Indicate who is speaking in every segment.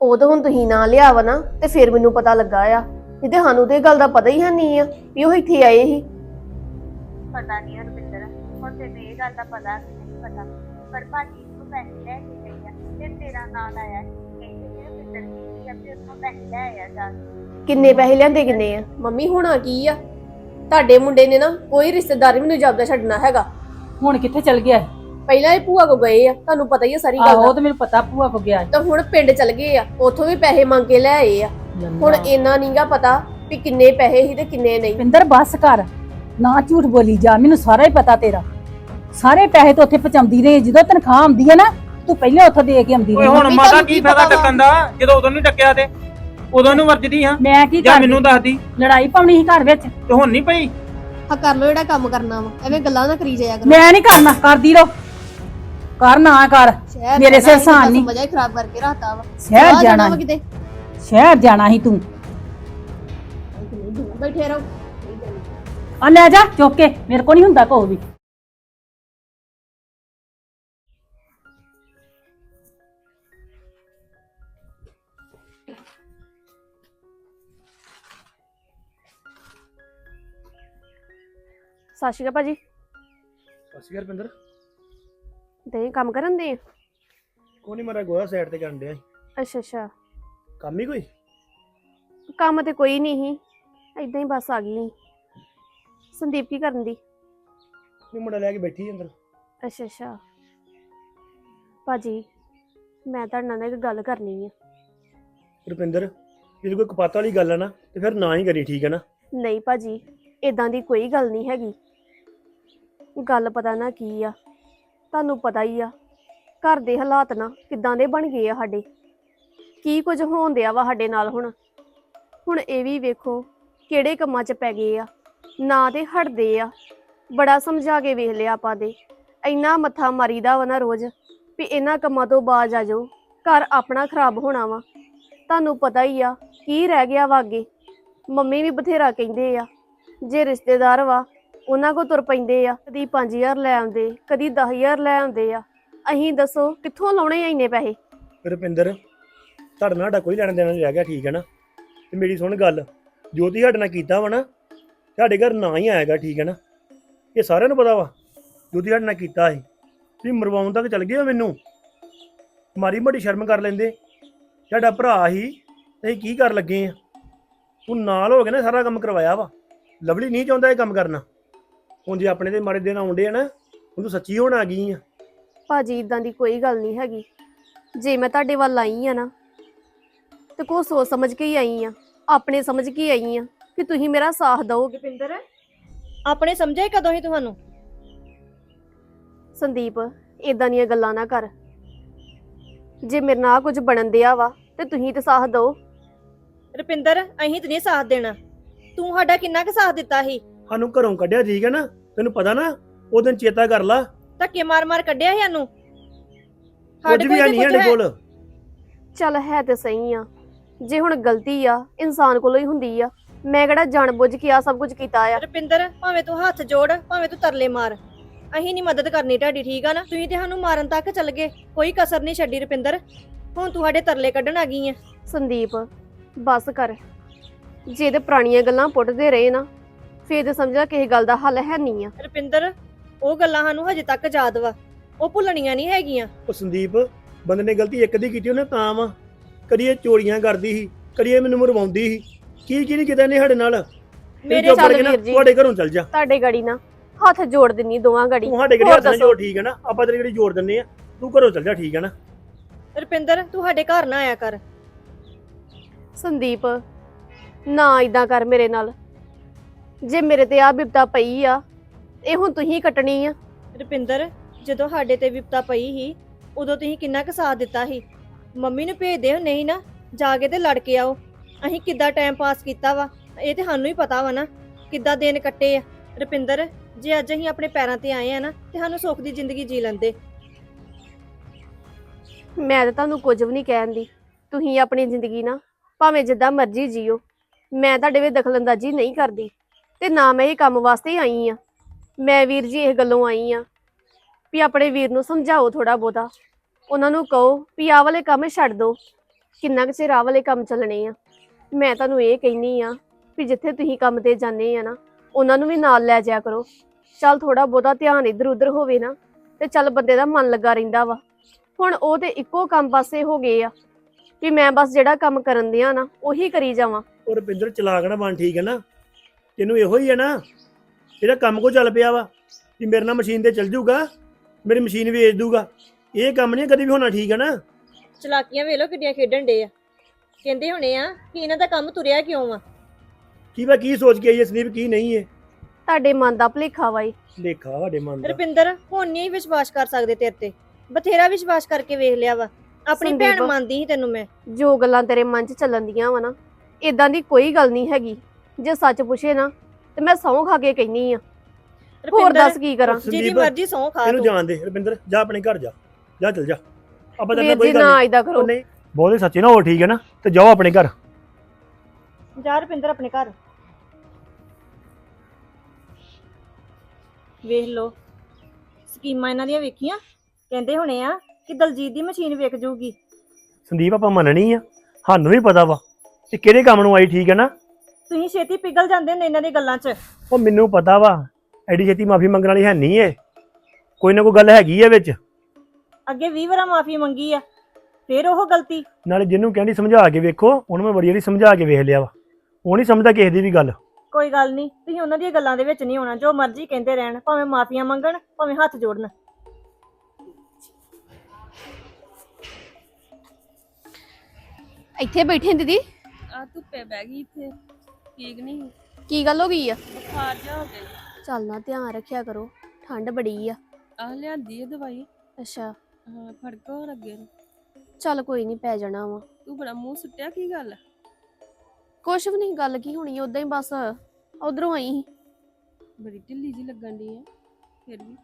Speaker 1: ਉਦੋਂ ਹੁਣ ਤੁਸੀਂ ਨਾ ਲਿਆ ਵਾ ਨਾ ਤੇ ਫਿਰ ਮੈਨੂੰ ਪਤਾ ਲੱਗਾ ਆ, ਨਹੀਂ ਤੇ ਸਾਨੂੰ ਤੇ ਇਹ ਗੱਲ ਦਾ ਪਤਾ ਹੀ ਹੈ ਨਹੀਂ ਆ ਵੀ ਉਹ ਇੱਥੇ ਆਏ ਸੀ।
Speaker 2: ਪਤਾ ਨਹੀਂ ਰੁਪਿੰਦਰ, ਹੁਣ ਤੈਨੂੰ ਇਹ ਗੱਲ ਦਾ ਪਤਾ ਕਿ ਨਹੀਂ ਪਤਾ, ਪਰ ਭਾਜੀ ਨੂੰ ਪੈਸੇ ਲੈ ਕੇ ਗਈ ਆ ਤੇ ਤੇਰਾ ਨਾਂ ਆਇਆ, ਕਹਿੰਦੇ ਕਿ ਰੁਪਿੰਦਰ ਕੀ ਆ ਤੇ ਉੱਥੋਂ ਪੈਸੇ ਲੈ ਆਇਆ ਜਾ ਕੇ।
Speaker 1: ਕਿੰਨੇ ਪੈਸੇ ਲਿਆਂਦੇ ਕਿੰਨੇ ਆ? ਮੰਮੀ ਹੋਣਾ ਕੀ ਆ, ਤੁਹਾਡੇ ਮੁੰਡੇ ਨੇ ਨਾ ਕੋਈ ਰਿਸ਼ਤੇਦਾਰ ਮੈਨੂੰ ਜਾਪਦਾ ਛੱਡਣਾ ਹੈਗਾ।
Speaker 3: ਹੁਣ ਕਿੱਥੇ ਚਲ ਗਿਆ?
Speaker 1: ਪਹਿਲਾਂ ਇਹ ਭੂਆ ਕੋ ਗਏ ਆ, ਤੁਹਾਨੂੰ ਪਤਾ ਹੀ ਆ ਸਾਰੀ ਗੱਲ
Speaker 3: ਆਹੋ
Speaker 1: ਦਾ।
Speaker 3: ਤੇ ਮੈਨੂੰ ਪਤਾ ਭੂਆ ਕੋ ਗਿਆ।
Speaker 1: ਤਾਂ ਹੁਣ ਪਿੰਡ ਚਲ ਗਏ ਆ, ਉੱਥੋਂ ਵੀ ਪੈਸੇ ਮੰਗ ਕੇ ਲੈ ਆਏ ਆ। ਹੁਣ ਇੰਨਾ ਨਹੀਂਗਾ ਪਤਾ ਵੀ ਕਿੰਨੇ ਪੈਸੇ ਸੀ ਤੇ ਕਿੰਨੇ ਨਹੀਂ।
Speaker 3: ਪਿੰਦਰ ਬੱਸ ਕਰ, ਨਾ ਝੂਠ ਬੋਲੀ ਜਾ, ਮੈਨੂੰ ਸਾਰਾ ਹੀ ਪਤਾ ਤੇਰਾ। ਸਾਰੇ ਪੈਸੇ ਤਾਂ ਉੱਥੇ ਪਹੁੰਚਾਉਂਦੀ ਰਹੀ, ਜਦੋਂ ਤਨਖਾਹ ਆਉਂਦੀ ਹੈ ਨਾ ਤੂੰ ਪਹਿਲੇ ਉੱਥੋਂ ਦੇ ਕੇ ਆਉਂਦੀ
Speaker 4: ਓਏ
Speaker 3: ਰਹੀ।
Speaker 4: ਹੁਣ ਮਾਤਾ ਕੀ ਫਾਇਦਾ ਟੱਕਣ ਦਾ, ਜਦੋਂ ਉਦੋਂ ਨਹੀਂ ਟੱਕਿਆ ਤੇ ਉਦੋਂ ਨੂੰ ਵਰਜਦੀ ਹਾਂ।
Speaker 3: ਮੈਂ ਕੀ
Speaker 4: ਜਾਂ
Speaker 3: ਕਰ
Speaker 4: ਮੈਨੂੰ ਦੱਸਦੀ
Speaker 3: ਲੜਾਈ ਪਾਉਣੀ ਸੀ ਘਰ ਵਿੱਚ
Speaker 4: ਤੇ ਹੁਣ ਨਹੀਂ ਪਈ।
Speaker 1: ਹਾਂ ਕਰ ਲੋ ਜਿਹੜਾ ਕੰਮ ਕਰਨਾ ਵਾ, ਐਵੇਂ ਗੱਲਾਂ ਨਾ ਕਰੀ ਜਾਇਆ ਕਰੋ।
Speaker 3: ਮੈਂ ਨਹੀਂ ਕਰਨਾ, ਕਰਦੀ ਰਹੋ, ਕਰ ਨਾ ਕਰ, ਮੇਰੇ ਸਿਰ ਸਾਨ ਨਹੀਂ।
Speaker 1: ਮਜ਼ਾ ਹੀ ਖਰਾਬ ਕਰਕੇ ਰੱਖਤਾ ਵਾ।
Speaker 3: ਸ਼ਹਿਰ ਜਾਣਾ
Speaker 1: ਵਾ ਕਿਤੇ,
Speaker 3: ਸ਼ਹਿਰ ਜਾਣਾ ਸੀ ਤੂੰ,
Speaker 1: ਬੈਠੇ ਰਹੋ।
Speaker 3: ਆ ਲੈ ਜਾ ਚੁੱਕ ਕੇ, ਮੇਰੇ ਕੋਲ ਨਹੀਂ ਹੁੰਦਾ ਕੋਈ ਵੀ।
Speaker 1: ਸਤਿ ਸ਼੍ਰੀ ਅਕਾਲ ਭਾਜੀ।
Speaker 5: ਅਸੀਂ ਰਪਿੰਦਰ
Speaker 1: ਤੇ ਕੰਮ ਕਰਨ ਦੇ?
Speaker 5: ਕੋਈ ਨਹੀਂ, ਮੇਰਾ ਗੋਹਾ ਸਾਈਡ ਤੇ ਕਰਨ ਡਿਆ ਸੀ।
Speaker 1: ਅੱਛਾ ਅੱਛਾ,
Speaker 5: ਕੰਮ ਹੀ ਕੋਈ?
Speaker 1: ਕੰਮ ਤੇ ਕੋਈ ਨਹੀਂ ਸੀ, ਏਦਾਂ ਹੀ ਬਸ ਆ ਗਈ। ਸੰਦੀਪ ਕੀ ਕਰਨ ਦੀ?
Speaker 5: ਨਹੀਂ, ਮੁੰਡਾ ਲੈ ਕੇ ਬੈਠੀ ਅੰਦਰ।
Speaker 1: ਅੱਛਾ ਅੱਛਾ ਭਾਜੀ, ਮੈਂ ਤੁਹਾਡੇ ਨਾਲ ਇੱਕ ਗੱਲ ਕਰਨੀ ਆ।
Speaker 5: ਰੁਪਿੰਦਰ, ਜੇ ਕੋਈ ਕਪਾਤ ਵਾਲੀ ਗੱਲ ਆ ਨਾ ਤੇ ਫਿਰ ਨਾ ਹੀ ਕਰੀ, ਠੀਕ ਹੈ ਨਾ?
Speaker 1: ਨਹੀਂ ਭਾਜੀ, ਇਦਾਂ ਦੀ ਕੋਈ ਗੱਲ ਨਹੀਂ ਹੈਗੀ। ਗੱਲ ਪਤਾ ਨਾ ਕੀ ਆ, ਤੁਹਾਨੂੰ ਪਤਾ ਹੀ ਆ ਘਰ ਦੇ ਹਾਲਾਤ ਨਾ ਕਿੱਦਾਂ ਦੇ ਬਣ ਗਏ ਆ ਸਾਡੇ, ਕੀ ਕੁਝ ਹੋਣ ਦਿਆ ਵਾ ਸਾਡੇ ਨਾਲ। ਹੁਣ ਇਹ ਵੀ ਵੇਖੋ ਕਿਹੜੇ ਕੰਮਾਂ 'ਚ ਪੈ ਗਏ ਆ, ਨਾ ਤੇ ਹਟਦੇ ਆ। ਬੜਾ ਸਮਝਾ ਕੇ ਵੇਖ ਲਿਆ ਆਪਾਂ ਦੇ, ਇੰਨਾ ਮੱਥਾ ਮਾਰੀਦਾ ਵਾ ਨਾ ਰੋਜ਼ ਵੀ ਇਹਨਾਂ ਕੰਮਾਂ ਤੋਂ ਬਾਜ਼ ਆ ਜਾਓ, ਘਰ ਆਪਣਾ ਖਰਾਬ ਹੋਣਾ ਵਾ। ਤੁਹਾਨੂੰ ਪਤਾ ਹੀ ਆ ਕੀ ਰਹਿ ਗਿਆ ਵਾ ਅੱਗੇ। ਮੰਮੀ ਵੀ ਬਥੇਰਾ ਕਹਿੰਦੇ ਆ, ਜੇ ਰਿਸ਼ਤੇਦਾਰ ਵਾ ਉਹਨਾਂ ਕੋ ਤੁਰ ਪੈਂਦੇ ਆ, ਕਦੀ 5000 ਲੈ ਆਉਂਦੇ, ਕਦੀ 10000 ਲੈ ਆਉਂਦੇ ਆ। ਅਸੀਂ ਦੱਸੋ ਕਿੱਥੋਂ ਲਾਉਣੇ ਆ ਇੰਨੇ ਪੈਸੇ?
Speaker 5: ਰੁਪਿੰਦਰ, ਤੁਹਾਡੇ ਨਾਲ ਸਾਡਾ ਕੋਈ ਲੈਣਾ ਦੇਣਾ ਨਹੀਂ ਰਹਿ ਗਿਆ, ਠੀਕ ਹੈ ਨਾ? ਤੇ ਮੇਰੀ ਸੁਣ ਗੱਲ, ਜੋ ਤੁਸੀਂ ਸਾਡੇ ਨਾਲ ਕੀਤਾ ਵਾ ਨਾ, ਸਾਡੇ ਘਰ ਨਾ ਹੀ ਆਏਗਾ, ਠੀਕ ਹੈ ਨਾ? ਇਹ ਸਾਰਿਆਂ ਨੂੰ ਪਤਾ ਵਾ ਜੋ ਤੁਸੀਂ ਸਾਡੇ ਨਾਲ ਕੀਤਾ ਸੀ। ਤੁਸੀਂ ਮਰਵਾਉਣ ਤੱਕ ਚੱਲ ਗਏ ਹੋ ਮੈਨੂੰ। ਮਾਰੀ ਮੋਟੀ ਸ਼ਰਮ ਕਰ ਲੈਂਦੇ, ਸਾਡਾ ਭਰਾ ਹੀ ਤੇ ਅਸੀਂ ਕੀ ਕਰ ਲੱਗੇ ਆ? ਤੂੰ ਨਾਲ ਹੋ ਕੇ ਨਾ ਸਾਰਾ ਕੰਮ ਕਰਵਾਇਆ ਵਾ। ਲਵਲੀ ਨਹੀਂ ਚਾਹੁੰਦਾ ਇਹ ਕੰਮ ਕਰਨਾ। ਹੁਣ ਜੇ ਆਪਣੇ ਦੇ ਮਾੜੇ ਦਿਨ ਆਉਂਦੇ ਆ ਨਾ, ਹੁਣ ਤੂੰ ਸੱਚੀ ਹੋਣ ਆ ਗਈ ਆ।
Speaker 1: ਭਾਜੀ ਇਦਾਂ ਦੀ ਕੋਈ ਗੱਲ ਨਹੀਂ ਹੈਗੀ। ਜੇ ਮੈਂ ਤੁਹਾਡੇ ਵੱਲ ਆਈ ਆ ਨਾ ਤੇ ਕੋ ਸੋਚ ਸਮਝ ਕੇ ਹੀ ਆਈ ਆ, ਆਪਣੇ ਸਮਝ ਕੇ ਆਈ ਆ ਕਿ ਤੁਸੀਂ ਮੇਰਾ ਸਾਥ ਦਿਓਗੇ।
Speaker 6: ਰੁਪਿੰਦਰ, ਆਪਣੇ ਸਮਝਿਆ ਕਦੋਂ ਹੀ ਤੁਹਾਨੂੰ?
Speaker 1: ਸੰਦੀਪ, ਇਦਾਂ ਦੀਆਂ ਗੱਲਾਂ ਨਾ ਕਰ। ਜੇ ਮੇਰੇ ਨਾਲ ਕੁਝ ਬਣਨ ਦਿਆ ਵਾ ਤੇ ਤੁਸੀਂ ਤੇ ਸਾਥ ਦਿਓ।
Speaker 6: ਰੁਪਿੰਦਰ, ਅਹੀਂ ਤੇ ਨਹੀਂ ਸਾਥ ਦੇਣਾ। ਤੂੰ ਸਾਡਾ ਕਿੰਨਾ ਕੁ ਸਾਥ ਦਿੱਤਾ ਸੀ?
Speaker 5: ਸਾਨੂੰ ਘਰੋਂ ਕੱਢਿਆ, ਠੀਕ ਹੈ ਨਾ? ਤੈਨੂੰ ਪਤਾ ਨਾ, ਉਹ ਦਿਨ ਚੇਤਾ ਕਰ ਲਾ।
Speaker 6: ਧੱਕੇ ਮਾਰ ਮਾਰ ਕੱਢਿਆ ਸੀ ਸਾਨੂੰ।
Speaker 5: ਕੁਝ ਵੀ ਨਹੀਂ ਸਾਡੇ ਕੋਲ।
Speaker 1: ਚੱਲ ਹੈ ਤੇ ਸਹੀ ਆ, ਜੇ ਹੁਣ ਗਲਤੀ ਆ ਇਨਸਾਨ ਕੋਲੋਂ ਹੀ ਹੁੰਦੀ ਆ। ਮੈਂ ਕਿਹੜਾ ਜਾਣ ਬੁੱਝ ਕੇ ਆ ਸਭ ਕੁਝ ਕੀਤਾ ਆ।
Speaker 6: ਰੁਪਿੰਦਰ, ਭਾਵੇਂ ਤੂੰ ਹੱਥ ਜੋੜ, ਭਾਵੇਂ ਤੂੰ ਤਰਲੇ ਮਾਰ, ਅਹੀਂ ਨਹੀਂ ਮਦਦ ਕਰਨੀ ਤੁਹਾਡੀ, ਠੀਕ ਆ ਨਾ? ਤੁਸੀਂ ਤੇ ਸਾਨੂੰ ਮਾਰਨ ਤੱਕ ਚੱਲ ਗਏ, ਕੋਈ ਕਸਰ ਨਹੀਂ ਛੱਡੀ। ਰੁਪਿੰਦਰ, ਹੁਣ ਤੂੰ ਸਾਡੇ ਤਰਲੇ ਕੱਢਣ ਆ ਗਈ ਆ।
Speaker 1: ਸੰਦੀਪ ਬਸ ਕਰ, ਜੇ ਤੇ ਪੁਰਾਣੀਆਂ ਗੱਲਾਂ ਪੁੱਟਦੇ ਰਹੇ ਨਾ ਫੇਰ ਤੇ ਸਮਝਾ ਕਿਸੇ ਗੱਲ ਦਾ ਹੱਲ ਹੈ ਨਹੀਂ ਆ।
Speaker 6: ਰੁਪਿੰਦਰ, ਉਹ ਗੱਲਾਂ ਸਾਨੂੰ ਹਜੇ ਤੱਕ ਯਾਦ ਵਾ, ਉਹ ਭੁੱਲਣੀਆਂ ਨਹੀਂ ਹੈਗੀਆਂ।
Speaker 5: ਉਹ ਸੰਦੀਪ, ਬੰਦੇ ਨੇ ਗਲਤੀ ਇੱਕ ਦੀ ਕੀਤੀ ਉਹਨੇ ਤਾਂ ਵਾ। ਕਦੀ ਇਹ ਚੋਰੀਆਂ ਕਰਦੀ ਸੀ, ਕਦੀ ਇਹ ਮੈਨੂੰ ਮਰਵਾਉਂਦੀ ਸੀ, ਕੀ ਨਹੀਂ ਕੀਤਾ ਨੇ ਸਾਡੇ ਨਾਲ।
Speaker 6: ਮੇਰੇ
Speaker 1: ਚੱਲ ਵੀਰ ਜੀ,
Speaker 5: ਤੁਹਾਡੇ ਘਰੋਂ ਚੱਲ ਜਾ।
Speaker 1: ਤੁਹਾਡੇ ਗੜੀ ਨਾ ਹੱਥ ਜੋੜ ਦਿੰਨੀ ਦੋਵਾਂ ਗੜੀ।
Speaker 5: ਤੂੰ ਸਾਡੇ ਘਰੇ ਹੱਥ ਨਾਲ ਜੋੜ, ਠੀਕ ਹੈ ਨਾ? ਆਪਾਂ ਤੇਰੀ ਗੜੀ ਜੋੜ ਦਿੰਨੇ ਆ, ਤੂੰ ਘਰੋਂ ਚੱਲ ਜਾ, ਠੀਕ ਹੈ ਨਾ?
Speaker 6: ਰੁਪਿੰਦਰ, ਤੂੰ ਸਾਡੇ ਘਰ ਨਾ ਆਇਆ ਕਰ।
Speaker 1: ਸੰਦੀਪ ਨਾ ਇਦਾਂ ਕਰ ਮੇਰੇ ਨਾਲ। ਜੇ ਮੇਰੇ ਤੇ ਆ ਬਿਪਤਾ ਪਈ ਆ, ਇਹ ਹੁਣ ਤੁਸੀਂ ਕੱਟਣੀ ਆ।
Speaker 6: ਰੁਪਿੰਦਰ, ਜਦੋਂ ਸਾਡੇ ਤੇ ਵਿਪਤਾ ਪਈ ਸੀ ਉਦੋਂ ਤੁਸੀਂ ਕਿੰਨਾ ਕੁ ਸਾਥ ਦਿੱਤਾ ਸੀ। ਮੰਮੀ ਨੂੰ ਭੇਜਦੇ ਹੋ ਨਹੀਂ ਨਾ, ਜਾ ਕੇ ਤੇ ਲੜ ਕੇ ਆਓ। ਅਸੀਂ ਕਿੱਦਾਂ ਟਾਈਮ ਪਾਸ ਕੀਤਾ ਵਾ ਇਹ ਤੇ ਸਾਨੂੰ ਹੀ ਪਤਾ ਵਾ ਨਾ, ਕਿੱਦਾਂ ਦਿਨ ਕੱਟੇ ਆ। ਰੁਪਿੰਦਰ, ਜੇ ਅੱਜ ਅਸੀਂ ਆਪਣੇ ਪੈਰਾਂ ਤੇ ਆਏ ਆ ਨਾ ਤੇ ਸਾਨੂੰ ਸੁੱਖ ਦੀ ਜ਼ਿੰਦਗੀ ਜੀ ਲੈਂਦੇ।
Speaker 1: ਮੈਂ ਤਾਂ ਤੁਹਾਨੂੰ ਕੁਝ ਵੀ ਨਹੀਂ ਕਹਿੰਦੀ, ਤੁਸੀਂ ਆਪਣੀ ਜ਼ਿੰਦਗੀ ਨਾ ਭਾਵੇਂ ਜਿੱਦਾਂ ਮਰਜ਼ੀ ਜੀਓ। ਮੈਂ ਤੁਹਾਡੇ ਵਿੱਚ ਦਖਲਅੰਦਾਜ਼ੀ ਨਹੀਂ ਕਰਦੀ ਤੇ ਨਾ ਮੈਂ ਇਹ ਕੰਮ ਵਾਸਤੇ ਆਈ ਆ। ਮੈਂ ਵੀਰ ਜੀ ਇਹ ਗੱਲੋਂ ਆਈ ਆ ਵੀ ਆਪਣੇ ਵੀਰ ਨੂੰ ਸਮਝਾਓ ਥੋੜਾ ਬਹੁਤਾ, ਉਹਨਾਂ ਨੂੰ ਕਹੋ ਵੀ ਆਹ ਵਾਲੇ ਕੰਮ ਛੱਡ ਦਿਓ ਕਿੰਨਾ ਕੁ ਚਿਰ ਆਹ ਵਾਲੇ ਕੰਮ ਚੱਲਣੇ ਆ। ਮੈਂ ਤੁਹਾਨੂੰ ਇਹ ਕਹਿਨੀ ਆ ਵੀ ਜਿੱਥੇ ਤੁਸੀਂ ਕੰਮ ਤੇ ਜਾਂਦੇ ਆ ਨਾ, ਉਹਨਾਂ ਨੂੰ ਵੀ ਨਾਲ ਲੈ ਜਾਇਆ ਕਰੋ। ਚੱਲ ਥੋੜਾ ਬਹੁਤਾ ਧਿਆਨ ਇੱਧਰ ਉੱਧਰ ਹੋਵੇ ਨਾ ਤੇ ਚੱਲ ਬੰਦੇ ਦਾ ਮਨ ਲੱਗਾ ਰਹਿੰਦਾ ਵਾ। ਹੁਣ ਉਹ ਤੇ ਇੱਕੋ ਕੰਮ ਪਾਸੇ ਹੋ ਗਏ ਆ ਵੀ ਮੈਂ ਬਸ ਜਿਹੜਾ ਕੰਮ ਕਰਨ ਦਿਆਂ ਨਾ ਉਹੀ ਕਰੀ ਜਾਵਾਂ।
Speaker 5: ਉਹ ਰੁਪਿੰਦਰ ਚਲਾਕ ਨਾ ਬਣ, ਠੀਕ ਹੈ ਨਾ। ਤੈਨੂੰ ਇਹੋ ਹੀ ਹੈ ਨਾ, ਇਹਦਾ ਕੰਮ ਕੋ ਚੱਲ ਪਿਆ ਵਾ ਕਿ ਮੇਰੇ ਨਾਲ ਮਸ਼ੀਨ ਤੇ ਚੱਲ ਜੂਗਾ, ਮੇਰੀ ਮਸ਼ੀਨ ਵੇਚ ਦੂਗਾ। ਇਹ ਕੰਮ ਨਹੀਂ ਕਦੀ ਵੀ ਹੋਣਾ, ਠੀਕ ਹੈ ਨਾ।
Speaker 6: ਚਲਾਕੀਆਂ ਵੇਖ ਲੋ ਕਿੱਡੀਆਂ ਖੇਡਣ ਡੇ ਆ। ਕਹਿੰਦੇ ਹੋਣੇ ਆ ਕਿ ਇਹਨਾਂ ਦਾ ਕੰਮ ਤੁਰਿਆ ਕਿਉਂ ਆ।
Speaker 5: ਕੀ ਸੋਚ ਕੇ ਆਈ ਹੈ ਸੰਦੀਪ, ਕੀ ਨਹੀਂ ਹੈ।
Speaker 1: ਤੁਹਾਡੇ ਮਨ ਦਾ ਭੁਲੇਖਾ ਵਾ ਏ।
Speaker 5: ਲੇਖਾ ਸਾਡੇ ਮਨ ਦਾ।
Speaker 6: ਰੁਪਿੰਦਰ ਹੁਣ ਨਹੀਂ ਵਿਸ਼ਵਾਸ ਕਰ ਸਕਦੇ ਤੇਰੇ ਤੇ। ਬਥੇਰਾ ਵਿਸ਼ਵਾਸ ਕਰਕੇ ਵੇਖ ਲਿਆ ਵਾ। ਆਪਣੀ ਭੈਣ
Speaker 1: ਸੰਦੀਪ,
Speaker 6: ਮੰਨਦੀ ਸੀ ਤੈਨੂੰ ਮੈਂ।
Speaker 1: ਜੋ ਗੱਲਾਂ ਤੇਰੇ ਮਨ 'ਚ ਚੱਲਣ ਦੀਆਂ ਵਾ ਨਾ, ਇਦਾਂ ਦੀ ਕੋਈ ਗੱਲ ਨਹੀਂ ਹੈਗੀ। ਜੇ ਸੱਚ ਪੁੱਛੇ ਨਾ ਤੇ ਮੈਂ ਸਹੁੰ ਖਾ ਕੇ ਕਹਿਨੀ ਆ। ਹੋਰ
Speaker 6: ਰੁਪਿੰਦਰ,
Speaker 1: ਦੱਸ ਕੀ ਕਰਾਂ?
Speaker 6: ਜਿਹਦੀ
Speaker 5: ਸੰਦੀਪ,
Speaker 6: ਮਰਜ਼ੀ ਸਹੁੰ ਖਾ
Speaker 5: ਇਹਨੂੰ
Speaker 6: ਤੂੰ।
Speaker 5: ਜਾਣ ਦੇ ਰੁਪਿੰਦਰ, ਜਾ ਆਪਣੇ ਘਰ ਜਾ, ਜਾ ਚਲ ਜਾ। ਆਪਾਂ ਤੇਰੇ ਨਾਲ
Speaker 1: ਵੀਰ
Speaker 5: ਕੋਈ
Speaker 1: ਜੀ
Speaker 5: ਗੱਲ
Speaker 1: ਨਾ
Speaker 5: ਨਹੀਂ।
Speaker 1: ਏਦਾਂ ਕਰੋ।
Speaker 5: ਨਹੀਂ ਬਹੁਤੇ ਸੱਚੇ ਨਾ ਹੋ, ਠੀਕ ਹੈ ਨਾ, ਤੇ ਜਾਓ ਆਪਣੇ ਘਰ।
Speaker 6: ਜਾ ਰੁਪਿੰਦਰ ਆਪਣੇ ਘਰ। ਵੇਖ ਲੋ ਸਕੀਮਾਂ ਇਹਨਾਂ ਦੀਆਂ ਵੇਖੀਆਂ। ਕਹਿੰਦੇ ਹੋਣੇ ਆ ਕਿ ਦਲਜੀਤ ਦੀ ਮਸ਼ੀਨ ਵਿਕ ਜਾਊਗੀ।
Speaker 5: ਸੰਦੀਪ ਆਪਾਂ ਮੰਨਣੀ ਆ, ਸਾਨੂੰ ਵੀ ਪਤਾ ਵਾ ਕਿ ਕਿਹੜੇ ਕੰਮ ਨੂੰ ਆਈ, ਠੀਕ ਹੈ ਨਾ।
Speaker 6: ਤੁਸੀਂ ਛੇਤੀ ਪਿਘਲ ਜਾਂਦੇ ਨੇ ਇਹਨਾਂ ਦੀ ਗੱਲਾਂ 'ਚ।
Speaker 5: ਉਹ ਮੈਨੂੰ ਪਤਾ ਵਾ ਐਡੀ ਛੇਤੀ ਮਾਫੀ ਮੰਗਣ ਵਾਲੀ ਹੈ ਨਹੀਂ ਏ, ਕੋਈ ਨਾ ਕੋਈ ਗੱਲ ਹੈਗੀ ਏ ਵਿੱਚ।
Speaker 6: ਅੱਗੇ 20 ਵਾਰ ਮਾਫੀ ਮੰਗੀ ਆ, ਫੇਰ ਉਹ ਗਲਤੀ।
Speaker 5: ਨਾਲੇ ਜਿਹਨੂੰ ਕਹਿੰਦੀ ਸਮਝਾ ਕੇ ਵੇਖੋ, ਉਹਨੂੰ ਮੈਂ ਬੜੀ ਵਾਰੀ ਸਮਝਾ ਕੇ ਵੇਖ ਲਿਆ ਵਾ, ਉਹ ਨਹੀਂ ਸਮਝਦਾ ਕਿਸੇ ਦੀ ਵੀ ਗੱਲ।
Speaker 6: ਕੋਈ ਗੱਲ ਨਹੀਂ, ਤੁਸੀਂ ਉਹਨਾਂ ਦੀਆਂ ਗੱਲਾਂ ਦੇ ਵਿੱਚ ਨਹੀਂ ਆਉਣਾ। ਜੋ ਮਰਜ਼ੀ ਕਹਿੰਦੇ ਰਹਿਣ, ਭਾਵੇਂ ਮਾਫੀਆਂ ਮੰਗਣ, ਭਾਵੇਂ ਹੱਥ ਜੋੜਨ।
Speaker 1: ਇੱਥੇ ਬੈਠੇ ਦੀਦੀ,
Speaker 7: ਆ ਧੁੱਪੇ ਬਹਿ ਗਈ ਇੱਥੇ, ਠੀਕ ਨਹੀਂ,
Speaker 1: ਕੀ ਗੱਲ ਹੋ ਗਈ ਆ?
Speaker 7: ਬੁਖਾਰ ਜਾ ਹੋ ਗਿਆ।
Speaker 1: ਚੱਲ ਨਾ ਧਿਆਨ ਰੱਖਿਆ ਕਰੋ, ਠੰਡ ਬੜੀ ਆ।
Speaker 7: ਆਹ ਲਿਆਂਦੀ ਆ ਦਵਾਈ।
Speaker 1: ਅੱਛਾ,
Speaker 7: ਹਾਂ ਫਰਕ ਹੋਣ ਲੱਗੇ ਨੂੰ।
Speaker 1: ਚੱਲ ਕੋਈ ਨਹੀਂ, ਪੈ ਜਾਣਾ ਵਾ।
Speaker 7: ਤੂੰ ਬੜਾ ਮੂੰਹ ਸੁੱਟਿਆ, ਕੀ ਗੱਲ?
Speaker 1: ਕੁਛ ਵੀ ਨਹੀਂ, ਗੱਲ ਕੀ ਹੋਣੀ, ਉਦਾਂ ਹੀ ਬਸ ਉਧਰੋਂ ਆਈ ਸੀ।
Speaker 7: ਬੜੀ ਢਿੱਲੀ ਜੀ ਲੱਗਣ ਦੀ ਆ ਫਿਰ ਵੀ।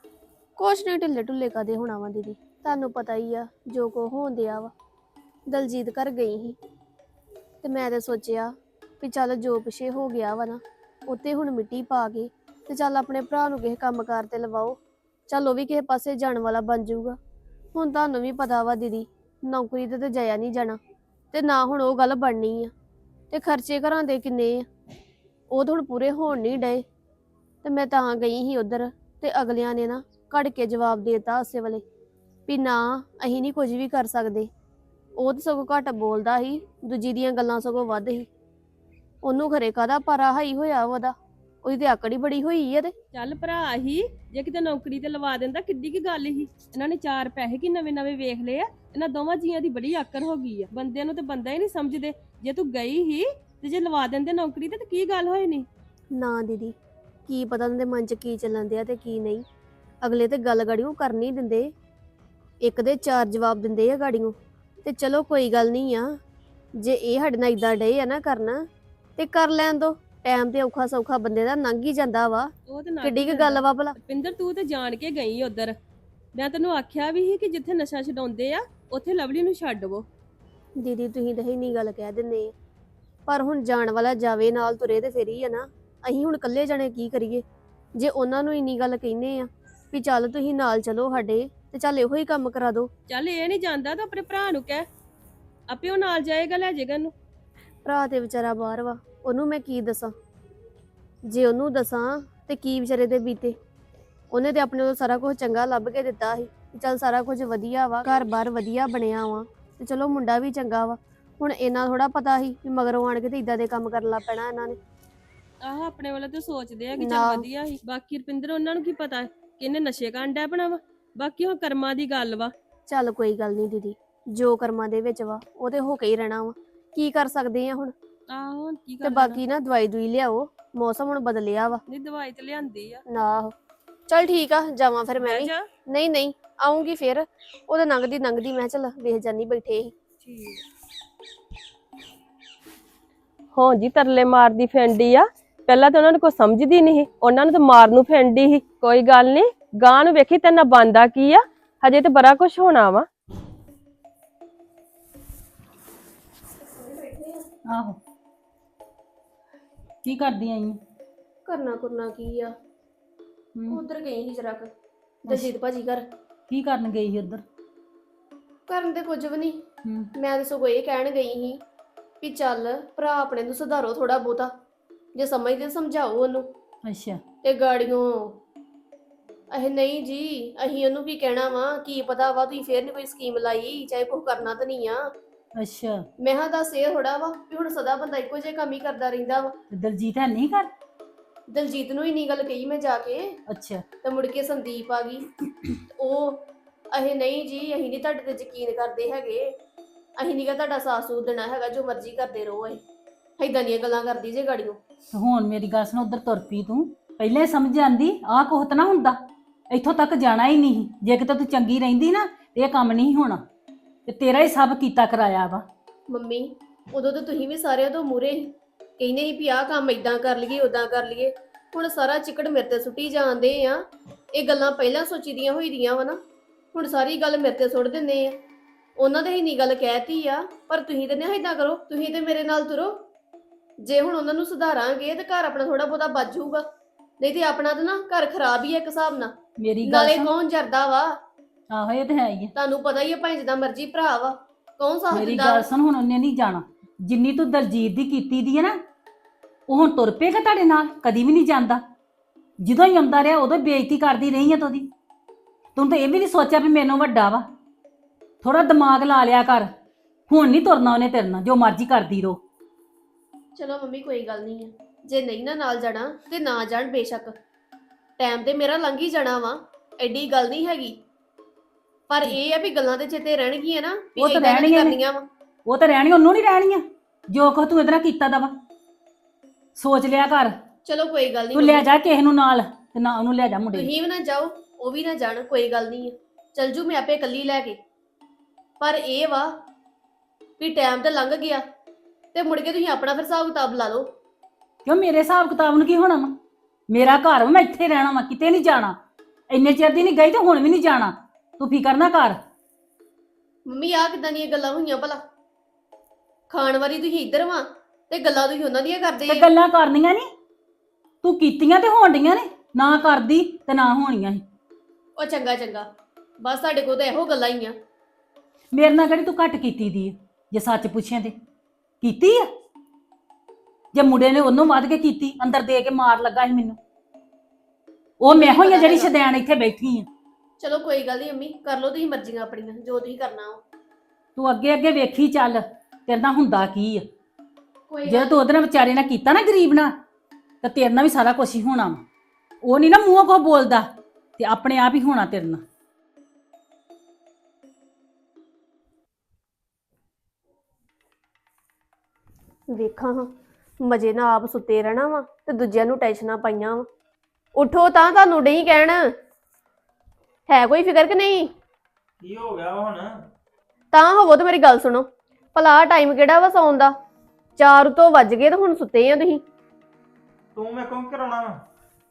Speaker 1: ਕੁਛ ਨਹੀਂ, ਢਿੱਲੇ ਢੁੱਲੇ ਕਦੇ ਹੋਣਾ ਵਾ ਦੀਦੀ, ਤੁਹਾਨੂੰ ਪਤਾ ਹੀ ਆ ਜੋ ਕੋ ਹੋਣ ਦਿਆ ਵਾ। ਦਲਜੀਤ ਘਰ ਗਈ ਸੀ ਤੇ ਮੈਂ ਤੇ ਸੋਚਿਆ ਵੀ ਚੱਲ ਜੋ ਪਿਛੇ ਹੋ ਗਿਆ ਵਾ ਨਾ, ਉੱਤੇ ਹੁਣ ਮਿੱਟੀ ਪਾ ਕੇ ਤੇ ਚੱਲ ਆਪਣੇ ਭਰਾ ਨੂੰ ਕਿਸੇ ਕੰਮਕਾਰ ਤੇ ਲਵਾਓ। ਚੱਲ ਉਹ ਵੀ ਕਿਸੇ ਪਾਸੇ ਜਾਣ ਵਾਲਾ ਬਣ ਜਾਊਗਾ। ਹੁਣ ਤੁਹਾਨੂੰ ਵੀ ਪਤਾ ਵਾ ਦੀਦੀ, ਨੌਕਰੀ ਤੇ ਜਾਇਆ ਨਹੀਂ ਜਾਣਾ ਤੇ ਨਾ ਹੁਣ ਉਹ ਗੱਲ ਬਣਨੀ ਆ। ਤੇ ਖਰਚੇ ਘਰਾਂ ਦੇ ਕਿੰਨੇ ਆ, ਉਹ ਤਾਂ ਹੁਣ ਪੂਰੇ ਹੋਣ ਨਹੀਂ ਡਏ। ਤੇ ਮੈਂ ਤਾਂ ਗਈ ਸੀ ਉਧਰ, ਤੇ ਅਗਲਿਆਂ ਨੇ ਨਾ ਘੜ ਕੇ ਜਵਾਬ ਦੇਤਾ ਉਸੇ ਵੇਲੇ ਵੀ ਨਾ ਅਸੀਂ ਨਹੀਂ ਕੁਝ ਵੀ ਕਰ ਸਕਦੇ। ਉਹ ਤਾਂ ਸਗੋਂ ਘੱਟ ਬੋਲਦਾ ਸੀ, ਦੂਜੀ ਦੀਆਂ ਗੱਲਾਂ ਸਗੋਂ ਵੱਧ ਸੀ। ਉਹਨੂੰ ਖਰੇ ਕਾਹਦਾ ਪਾਰਾ ਹਾਈ ਹੋਇਆ ਉਹਦਾ, ਉਹਦੀ ਤੇ ਆਕੜੀ ਬੜੀ ਹੋਈ ਆ। ਤੇ
Speaker 7: ਚੱਲ ਭਰਾ ਹੀ ਜੇ ਕਿਤੇ ਨੌਕਰੀ ਤੇ ਲਵਾ ਦਿੰਦਾ, ਕਿੱਡੀ ਕੀ ਗੱਲ ਸੀ। ਇਹਨਾਂ ਨੇ ਚਾਰ ਪੈਸੇ ਕੀ ਨਵੇਂ ਨਵੇਂ ਵੇਖ ਲਏ ਆ। ਇਹਨਾਂ ਦੋਵਾਂ ਜੀਆਂ ਦੀ ਬੜੀ ਆਕੜ ਹੋ ਗਈ ਆ। ਬੰਦੇ ਨੂੰ ਤੇ ਬੰਦਾ ਹੀ ਨਹੀਂ ਸਮਝਦੇ। ਜੇ ਤੂੰ ਗਈ ਹੀ ਤੇ ਜੇ ਲਵਾ ਦਿੰਦੇ ਨੌਕਰੀ ਤੇ ਕੀ ਗੱਲ ਹੋਈ ਨਹੀਂ?
Speaker 1: ਨਾ ਦੀਦੀ, ਕੀ ਪਤਾ ਉਹਨਾਂ ਦੇ ਮਨ 'ਚ ਕੀ ਚੱਲਣ ਦਿਆ ਤੇ ਕੀ ਨਹੀਂ। ਅਗਲੇ ਤੇ ਗੱਲ ਗਾੜੀਓ ਕਰ ਨਹੀਂ ਦਿੰਦੇ, ਇੱਕ ਦੇ ਚਾਰ ਜਵਾਬ ਦਿੰਦੇ ਆ ਗਾੜੀਓ। ਤੇ ਚਲੋ ਕੋਈ ਗੱਲ ਨਹੀਂ ਆ, ਜੇ ਇਹ ਸਾਡੇ ਨਾਲ ਇਦਾਂ ਡੇ ਆ ਨਾ ਕਰਨਾ ਤੇ ਕਰ ਲੈਣ ਦੋ। ਟਾਈਮ ਤੇ ਔਖਾ ਸੌਖਾ ਬੰਦੇ ਦਾ ਲੰਘ ਹੀ ਜਾਂਦਾ ਵਾ।
Speaker 7: ਉਹ ਤੇ ਨਾ
Speaker 1: ਕਿੱਡੀ ਕੁ ਗੱਲ ਵਾ ਭਲਾ।
Speaker 7: ਪਿੰਦਰ ਤੂੰ ਤੇ ਜਾਣ ਕੇ ਗਈ ਉਧਰ। ਮੈਂ ਤੈਨੂੰ ਆਖਿਆ ਵੀ ਸੀ ਕਿ ਜਿੱਥੇ ਨਸ਼ਾ ਛਡਾਉਂਦੇ ਆ ਉੱਥੇ ਲਵਲੀ ਨੂੰ ਛੱਡਵੋ।
Speaker 1: ਦੀਦੀ ਤੁਸੀਂ ਤਾਂ ਇੰਨੀ ਗੱਲ ਕਹਿ ਦਿੰਦੇ ਆ, ਪਰ ਹੁਣ ਜਾਣ ਵਾਲਾ ਜਾਵੇ ਨਾਲ ਤੁਰੇ ਤੇ ਫਿਰ ਹੀ ਆ ਨਾ। ਅਸੀਂ ਹੁਣ ਇਕੱਲੇ ਜਾਣੇ ਕੀ ਕਰੀਏ? ਜੇ ਉਹਨਾਂ ਨੂੰ ਇੰਨੀ ਗੱਲ ਕਹਿੰਦੇ ਆ ਵੀ ਚੱਲ ਤੁਸੀਂ ਨਾਲ ਚਲੋ ਸਾਡੇ, ਤੇ ਚੱਲ ਇਹੋ ਹੀ ਕੰਮ ਕਰਾ ਦੋ।
Speaker 7: ਚੱਲ ਇਹ ਨਹੀਂ ਜਾਂਦਾ ਤਾਂ ਆਪਣੇ ਭਰਾ ਨੂੰ ਕਹਿ, ਆਪੇ ਉਹ ਨਾਲ ਜਾਏਗਾ, ਲੈ ਜਾਏਗਾ ਇਹਨੂੰ।
Speaker 1: ਭਰਾ ਤੇ ਵਿਚਾਰਾ ਬਾਹਰ ਵਾ, ਉਹਨੂੰ ਮੈਂ ਕੀ ਦੱਸਾਂ? ਜੇ ਉਹਨੂੰ ਦੱਸਾਂ ਤੇ ਕੀ ਵਿਚਾਰੇ ਦੇ ਬੀਤੇ। ਉਹਨੇ ਤੇ ਆਪਣੇ ਤੋਂ ਸਾਰਾ ਕੁਝ ਚੰਗਾ ਲੱਭ ਕੇ ਦਿੱਤਾ ਸੀ, ਚੱਲ ਸਾਰਾ ਕੁਝ ਵਧੀਆ ਵਾ, ਘਰ-ਬਾਰ ਵਧੀਆ ਬਣਿਆ ਵਾ, ਤੇ ਚਲੋ ਮੁੰਡਾ ਵੀ ਚੰਗਾ ਵਾ। ਹੁਣ ਇਹਨਾਂ ਥੋੜਾ ਪਤਾ ਸੀ ਵੀ ਮਗਰੋਂ ਆਣ ਕੇ ਤੇ ਇਦਾਂ ਦੇ ਕੰਮ ਕਰਨ ਲੱਗ ਪੈਣਾ ਇਹਨਾਂ ਨੇ।
Speaker 7: ਆਹ ਆਪਣੇ ਵੱਲੋਂ ਤੇ ਸੋਚਦੇ ਆ ਕਿ
Speaker 1: ਨਾ।
Speaker 7: ਚੱਲ ਵਧੀਆ ਸੀ। ਬਾਕੀ ਰੁਪਿੰਦਰ ਉਹਨਾਂ ਨੂੰ ਕੀ ਪਤਾ ਕਿ ਇਹਨੇ ਨਸ਼ੇ ਕਰਨ ਡੈ ਪਣਾ ਵਾ। ਬਾਕੀ ਉਹ ਕਰਮਾਂ ਦੀ ਗੱਲ ਵਾ।
Speaker 1: ਚੱਲ ਕੋਈ ਗੱਲ ਨਹੀਂ ਦੀਦੀ, ਜੋ ਕਰਮਾਂ ਦੇ ਵਿੱਚ ਵਾ ਉਹ ਤੇ ਹੋ ਕੇ ਹੀ ਰਹਿਣਾ ਵਾ। ਕੀ ਕਰ ਸਕਦੇ ਆ ਹੁਣ?
Speaker 7: ਆਹੋ ਹੁਣ ਕੀ
Speaker 1: ਤੇ
Speaker 7: ਕਰਨਾ।
Speaker 1: ਬਾਕੀ ਨਾ ਦਵਾਈ ਦੂਈ ਲਿਆਓ, ਮੌਸਮ ਹੁਣ ਬਦਲਿਆ ਵਾ।
Speaker 7: ਨਹੀਂ ਦਵਾਈ ਤੇ ਲਿਆਂਦੀ ਆ।
Speaker 1: ਨਾ ਚੱਲ ਠੀਕ ਆ, ਜਾਵਾਂ ਫਿਰ ਮੈਂ
Speaker 7: ਬਹਿ
Speaker 1: ਵੀ।
Speaker 7: ਜਾ।
Speaker 1: ਨਹੀਂ ਨਹੀਂ, ਆਉਂਗੀ ਫਿਰ। ਉਹਦਾ ਲੰਘਦੀ ਮੈਂ ਚੱਲ ਵੇਖ ਜਾਨੀ ਬੈਠੇ ਸੀ।
Speaker 7: ਠੀਕ ਹਾਂ ਜੀ, ਤਰਲੇ ਮਾਰਦੀ ਫੈਂਡੀ ਆ। ਪਹਿਲਾਂ ਤਾਂ ਉਹਨਾਂ ਨੂੰ ਕੋਈ ਸਮਝਦੀ ਨਹੀਂ, ਉਹਨਾਂ ਨੂੰ ਤਾਂ ਮਾਰਨ ਨੂੰ ਫੈਂਡੀ ਸੀ। ਕੋਈ ਗੱਲ ਨਹੀਂ, ਗਾਂ ਨੂੰ ਵੇਖੀ ਤੇਨਾਂ ਬੰਦਾ ਕੀ ਆ। ਹਜੇ ਤੇ ਬੜਾ ਕੁਝ ਹੋਣਾ ਵਾ।
Speaker 3: ਆਹੋ, ਕੀ ਕਰਦੀ ਆਈ?
Speaker 1: ਕਰਨਾ ਕੀ ਆ, ਉਧਰ ਗਈ ਸੀ ਜਰਾ ਕੁ ਦਲਜੀਤ ਭਾਜੀ ਘਰ।
Speaker 3: ਕੀ ਕਰਨ ਗਈ ਸੀ ਉੱਧਰ?
Speaker 1: ਕਰਨ ਤੇ ਕੁਝ ਵੀ ਨਹੀਂ।
Speaker 3: ਹੂੰ।
Speaker 1: ਮੈਂ ਤਾਂ ਸਗੋਂ ਇਹ ਕਹਿਣ ਗਈ ਸੀ ਵੀ ਚੱਲ ਭਰਾ ਆਪਣੇ ਨੂੰ ਸੁਧਾਰੋ ਥੋੜਾ ਬਹੁਤਾ, ਜੇ ਸਮਝਦੇ ਸਮਝਾਓ ਉਹਨੂੰ।
Speaker 3: ਅੱਛਾ।
Speaker 1: ਤੇ ਗਾੜੀਆਂ ਇਹ ਨਹੀਂ ਜੀ, ਅਸੀਂ ਉਹਨੂੰ ਕੀ ਕਹਿਣਾ ਵਾ, ਕੀ ਪਤਾ ਵਾ ਤੁਸੀਂ ਫੇਰ ਨਹੀਂ ਕੋਈ ਸਕੀਮ ਲਾਈ, ਚਾਹੇ ਕੁਝ ਕਰਨਾ ਤਾਂ ਨਹੀਂ ਆ।
Speaker 3: ਅੱਛਾ।
Speaker 1: ਮੈਂ ਹਾਂ ਦੱਸ ਇਹ ਥੋੜਾ ਵਾ ਵੀ ਹੁਣ ਸਦਾ ਬੰਦਾ ਇੱਕੋ ਜਿਹੇ ਕੰਮ ਹੀ ਕਰਦਾ ਰਹਿੰਦਾ ਵਾ।
Speaker 3: ਤੇ ਦਲਜੀਤ ਹੈ ਨਹੀਂ ਕਰ।
Speaker 1: ਦਲਜੀਤ ਨੂੰ ਇੰਨੀ ਗੱਲ ਕਹੀ ਮੈਂ ਜਾ ਕੇ,
Speaker 3: ਅੱਛਾ।
Speaker 1: ਤੇ ਮੁੜ ਕੇ ਸੰਦੀਪ ਆ ਗਈ। ਉਹ ਇਹ ਨਹੀਂ ਜੀ, ਅਸੀਂ ਨਹੀਂ ਤੁਹਾਡੇ ਤੇ ਯਕੀਨ ਕਰਦੇ ਹੈਗੇ, ਅਸੀਂ ਨਹੀਂ ਗਾ ਤੁਹਾਡਾ ਸਾਥ ਸੂਥ ਦੇਣਾ ਹੈਗਾ, ਜੋ ਮਰਜ਼ੀ ਕਰਦੇ ਰਹੋ। ਇਹ ਏਦਾਂ ਦੀਆਂ ਗੱਲਾਂ ਕਰਦੀ ਜੇ ਗਾੜੀਆਂ।
Speaker 3: ਤੇ ਹੁਣ ਮੇਰੀ ਗੱਲ ਸੁਣ, ਉਧਰ ਤੁਰ ਪਈ ਤੂੰ, ਪਹਿਲੇ ਸਮਝ ਆਂਦੀ ਆਹ ਕੁਛ ਨਾ ਹੁੰਦਾ, ਇੱਥੋਂ ਤੱਕ ਜਾਣਾ ਹੀ ਨਹੀਂ। ਜੇ ਕਿਤੇ ਤੂੰ ਚੰਗੀ ਰਹਿੰਦੀ ਨਾ ਇਹ ਕੰਮ ਨਹੀਂ ਹੋਣਾ, ਤੇ ਤੇਰਾ ਹੀ ਸਭ ਕੀਤਾ ਕਰਾਇਆ ਵਾ।
Speaker 1: ਮੰਮੀ ਉਦੋਂ ਤਾਂ ਤੁਸੀਂ ਵੀ ਸਾਰਿਆਂ ਤੋਂ ਮੂਰੇ ਸੀ, ਕਹਿੰਦੇ ਸੀ ਵੀ ਆਹ ਕੰਮ ਇਦਾਂ ਕਰ ਲਈਏ ਉਦਾਂ ਕਰ ਲਈਏ। ਹੁਣ ਸਾਰਾ ਚਿੱਕੜ ਮੇਰੇ ਤੇ ਸੁੱਟੀ ਜਾਂਦੇ ਆ। ਇਹ ਗੱਲਾਂ ਪਹਿਲਾਂ ਸੋਚੀਦੀਆਂ ਹੋਈ ਦੀਆਂ ਵਾ ਨਾ, ਹੁਣ ਸਾਰੀ ਗੱਲ ਮੇਰੇ ਤੇ ਸੁੱਟ ਦਿੰਦੇ ਆ। ਉਹਨਾਂ ਦੇ ਇੰਨੀ ਗੱਲ ਕਹਿਤੀ ਆ, ਪਰ ਤੁਸੀਂ ਤੇ ਨਾ ਏਦਾਂ ਕਰੋ, ਤੁਸੀਂ ਤੇ ਮੇਰੇ ਨਾਲ ਤੁਰੋ। ਜੇ ਹੁਣ ਉਹਨਾਂ ਨੂੰ ਸੁਧਾਰਾਂਗੇ ਤੇ ਘਰ ਆਪਣਾ ਥੋੜਾ ਬਹੁਤਾ ਬਚ ਜਾਊਗਾ, ਨਹੀਂ ਤੇ ਆਪਣਾ ਤਾਂ ਨਾ ਘਰ ਖਰਾਬ ਹੀ ਹੈ ਇੱਕ ਹਿਸਾਬ ਨਾਲ।
Speaker 3: ਮੇਰੀ ਗੱਲ
Speaker 1: ਨਾਲੇ
Speaker 3: ਸੁਣ।
Speaker 1: ਕੌਣ ਜਰਦਾ ਵਾ,
Speaker 3: ਆਹੋ ਇਹ ਤੇ ਹੈ ਹੀ ਆ।
Speaker 1: ਤੁਹਾਨੂੰ ਪਤਾ ਹੀ ਹੈ, ਭਾਵੇਂ ਜਿੱਦਾਂ ਮਰਜ਼ੀ ਭਰਾ ਵਾ, ਕੌਣ ਸਾਥ
Speaker 3: ਮੇਰੀ
Speaker 1: ਦਿੰਦਾ
Speaker 3: ਗੱਲ
Speaker 1: ਵਾ?
Speaker 3: ਸੁਣ, ਹੁਣ ਉਹਨੇ ਨਹੀਂ ਜਾਣਾ। ਜਿੰਨੀ ਤੂੰ ਦਲਜੀਤ ਦੀ ਕੀਤੀ ਦੀ ਹੈ ਨਾ, ਉਹ ਹੁਣ ਤੁਰ ਪਏਗਾ ਤੁਹਾਡੇ ਨਾਲ, ਕਦੀ ਵੀ ਨਹੀਂ ਜਾਂਦਾ। ਜਦੋਂ ਹੀ ਆਉਂਦਾ ਰਿਹਾ ਉਦੋਂ ਬੇਇੱਜ਼ਤੀ ਕਰਦੀ ਰਹੀ ਆ ਤੂੰ ਉਹਦੀ। ਤੂੰ ਤਾਂ ਇਹ ਵੀ ਨਹੀਂ ਸੋਚਿਆ ਵੀ ਮੈਨੂੰ ਵੱਡਾ ਵਾ, ਥੋੜਾ ਦਿਮਾਗ ਲਾ ਲਿਆ ਕਰ। ਹੁਣ ਨਹੀਂ ਤੁਰਨਾ ਉਹਨੇ ਤੇਰੇ ਨਾਲ, ਜੋ ਮਰਜ਼ੀ ਕਰਦੀ ਰਹੋ।
Speaker 1: ਚਲੋ ਮੰਮੀ ਕੋਈ ਗੱਲ ਨਹੀਂ ਹੈ, ਜੇ ਨਹੀਂ ਨਾ ਨਾਲ ਜਾਣਾ ਤੇ ਨਾ ਜਾਣ ਬੇਸ਼ੱਕ, ਟਾਈਮ ਤੇ ਮੇਰਾ ਲੰਘ ਹੀ ਜਾਣਾ ਵਾ, ਐਡੀ ਗੱਲ ਨਹੀਂ ਹੈਗੀ। ਪਰ ਇਹ ਆ ਵੀ ਗੱਲਾਂ ਤੇ ਚੇਤੇ ਰਹਿਣਗੀਆਂ ਨਾ, ਵੀ
Speaker 3: ਉਹ ਤਾਂ
Speaker 1: ਏਦਾਂ ਨਹੀਂ
Speaker 3: ਰਹਿਣੀਆਂ ਨੇ।
Speaker 1: ਕਰਨੀਆਂ ਵਾ।
Speaker 3: ਉਹ ਤਾਂ ਰਹਿਣੀ, ਉਹਨੂੰ ਨਹੀਂ ਰਹਿਣੀਆਂ ਜੋ ਕੁਛ ਤੂੰ ਇਹਦੇ ਨਾਲ ਕੀਤਾ ਦਾ ਵਾ। ਸੋਚ ਲਿਆ ਕਰ।
Speaker 1: ਚਲੋ ਕੋਈ ਗੱਲ ਨਹੀਂ
Speaker 3: ਤੂੰ ਲੈ ਜਾ ਕਿਸੇ ਨੂੰ ਨਾਲ, ਤੇ ਨਾ ਉਹਨੂੰ ਲੈ ਜਾ ਮੁੰਡੇ ਨੂੰ।
Speaker 1: ਤੁਸੀਂ ਵੀ ਨਾ ਜਾਓ, ਉਹ ਵੀ ਨਾ ਜਾਣ, ਕੋਈ ਗੱਲ ਨਹੀਂ ਹੈ, ਚਲ ਜੂ ਮੈਂ ਆਪੇ ਇਕੱਲੀ ਲੈ ਕੇ। ਪਰ ਇਹ ਵਾ ਵੀ ਟਾਈਮ ਤੇ ਲੰਘ ਗਿਆ ਤੇ ਮੁੜ ਕੇ ਤੁਸੀਂ ਆਪਣਾ ਫਿਰ ਹਿਸਾਬ ਕਿਤਾਬ ਲਾ ਲਓ।
Speaker 3: ਕਿਉਂ ਮੇਰੇ ਹਿਸਾਬ ਕਿਤਾਬ ਨੂੰ ਕੀ ਹੋਣਾ ਵਾ? ਮੇਰਾ ਘਰ ਵਾ, ਮੈਂ ਇੱਥੇ ਰਹਿਣਾ ਵਾ, ਕਿਤੇ ਨਹੀਂ ਜਾਣਾ। ਇੰਨੇ ਚਿਰ ਦੀ ਨਹੀਂ ਗਈ ਤੇ ਹੁਣ ਵੀ ਨਹੀਂ ਜਾਣਾ। ਤੂੰ ਫਿਕਰ ਨਾ ਕਰ।
Speaker 1: ਮੰਮੀ ਆਹ ਕਿਦਾਂ ਦੀਆਂ ਗੱਲਾਂ ਹੋਈਆਂ ਭਲਾ? ਖਾਣ ਵਾਲੀ ਤੁਸੀਂ ਇੱਧਰ ਵਾ ਤੇ ਗੱਲਾਂ ਤੁਸੀਂ ਉਹਨਾਂ ਦੀਆਂ ਕਰਦੇ
Speaker 3: ਤੇ
Speaker 1: ਆ।
Speaker 3: ਗੱਲਾਂ ਕਰਨੀਆਂ ਨਹੀਂ, ਤੂੰ ਕੀਤੀਆਂ ਤੇ ਹੋਣ ਡੀਆਂ ਨੇ। ਨਾ ਕਰਦੀ ਤੇ ਨਾ ਹੋਣੀਆਂ ਸੀ।
Speaker 1: ਉਹ ਚੰਗਾ ਚੰਗਾ, ਬਸ ਸਾਡੇ ਕੋਲ ਤਾਂ ਇਹੋ ਗੱਲਾਂ ਹੀ ਆ।
Speaker 3: ਮੇਰੇ ਨਾਲ ਕਿਹੜੀ ਤੂੰ ਘੱਟ ਕੀਤੀ ਦੀ ਹੈ? ਜੇ ਸੱਚ ਪੁੱਛਿਆ ਤੇ ਕੀਤੀ ਆ। ਜੇ ਮੁੰਡੇ ਨੇ ਉਹਨੂੰ ਵੱਧ ਕੇ ਕੀਤੀ, ਅੰਦਰ ਦੇ ਕੇ ਮਾਰ ਲੱਗਾ ਸੀ ਮੈਨੂੰ। ਉਹ ਮੈਂ ਹੋਈ ਆ ਜਿਹੜੀ ਸ਼ਦੈਣ ਇੱਥੇ ਬੈਠੀ ਆ।
Speaker 1: ਚਲੋ ਕੋਈ ਗੱਲ ਨਹੀਂ ਅੰਮੀ, ਕਰ ਲਓ ਤੁਸੀਂ ਮਰਜ਼ੀਆਂ ਆਪਣੀਆਂ, ਜੋ ਤੁਸੀਂ ਕਰਨਾ ਵਾ।
Speaker 3: ਤੂੰ ਅੱਗੇ ਅੱਗੇ ਵੇਖੀ ਚੱਲ, ਤੇਰੇ ਨਾਲ ਹੁੰਦਾ ਕੀ ਆ।
Speaker 1: ਕੋਈ
Speaker 3: ਜੇ
Speaker 1: ਗੱਲ
Speaker 3: ਤੂੰ ਉਹਦੇ ਨਾਲ ਵਿਚਾਰੇ ਨਾਲ ਕੀਤਾ ਨਾ, ਗਰੀਬ ਨਾਲ, ਤਾਂ ਤੇਰੇ ਨਾਲ ਵੀ ਸਾਰਾ ਕੁਝ ਹੀ ਹੋਣਾ ਵਾ। ਉਹ ਨਹੀਂ ਨਾ ਮੂੰਹੋਂ ਕੋ ਬੋਲਦਾ, ਤੇ ਆਪਣੇ ਆਪ ਹੀ ਹੋਣਾ ਤੇਰੇ ਨਾਲ।
Speaker 1: ਵੇਖਾਂ ਹਾਂ, ਮਜੇ ਨਾਲ ਆਪ ਸੁੱਤੇ ਰਹਿਣਾ ਵਾ ਤੇ ਦੂਜਿਆਂ ਨੂੰ ਟੈਨਸ਼ਨਾਂ ਪਾਈਆਂ ਵਾ। ਉਠੋ ਤਾਂ ਤੁਹਾਨੂੰ ਨਹੀਂ ਕਹਿਣ, ਹੈ ਕੋਈ ਫਿਕਰ ਕਿ ਨਹੀਂ?
Speaker 4: ਕੀ ਹੋ ਗਿਆ ਹੁਣ?
Speaker 1: ਤਾਂ ਹੋਵੋ ਤੇ ਮੇਰੀ ਗੱਲ ਸੁਣੋ, ਭਲਾ ਟਾਈਮ ਕਿਹੜਾ ਵਾ ਸੌਣ ਦਾ? 4 ਤੋਂ ਵੱਜ ਗਏ ਤੇ ਹੁਣ ਸੁੱਤੇ ਆ ਤੁਸੀਂ।
Speaker 4: ਤੂੰ ਮੈਂ ਕੌਣ ਕਰਾਉਣਾ ਵਾ?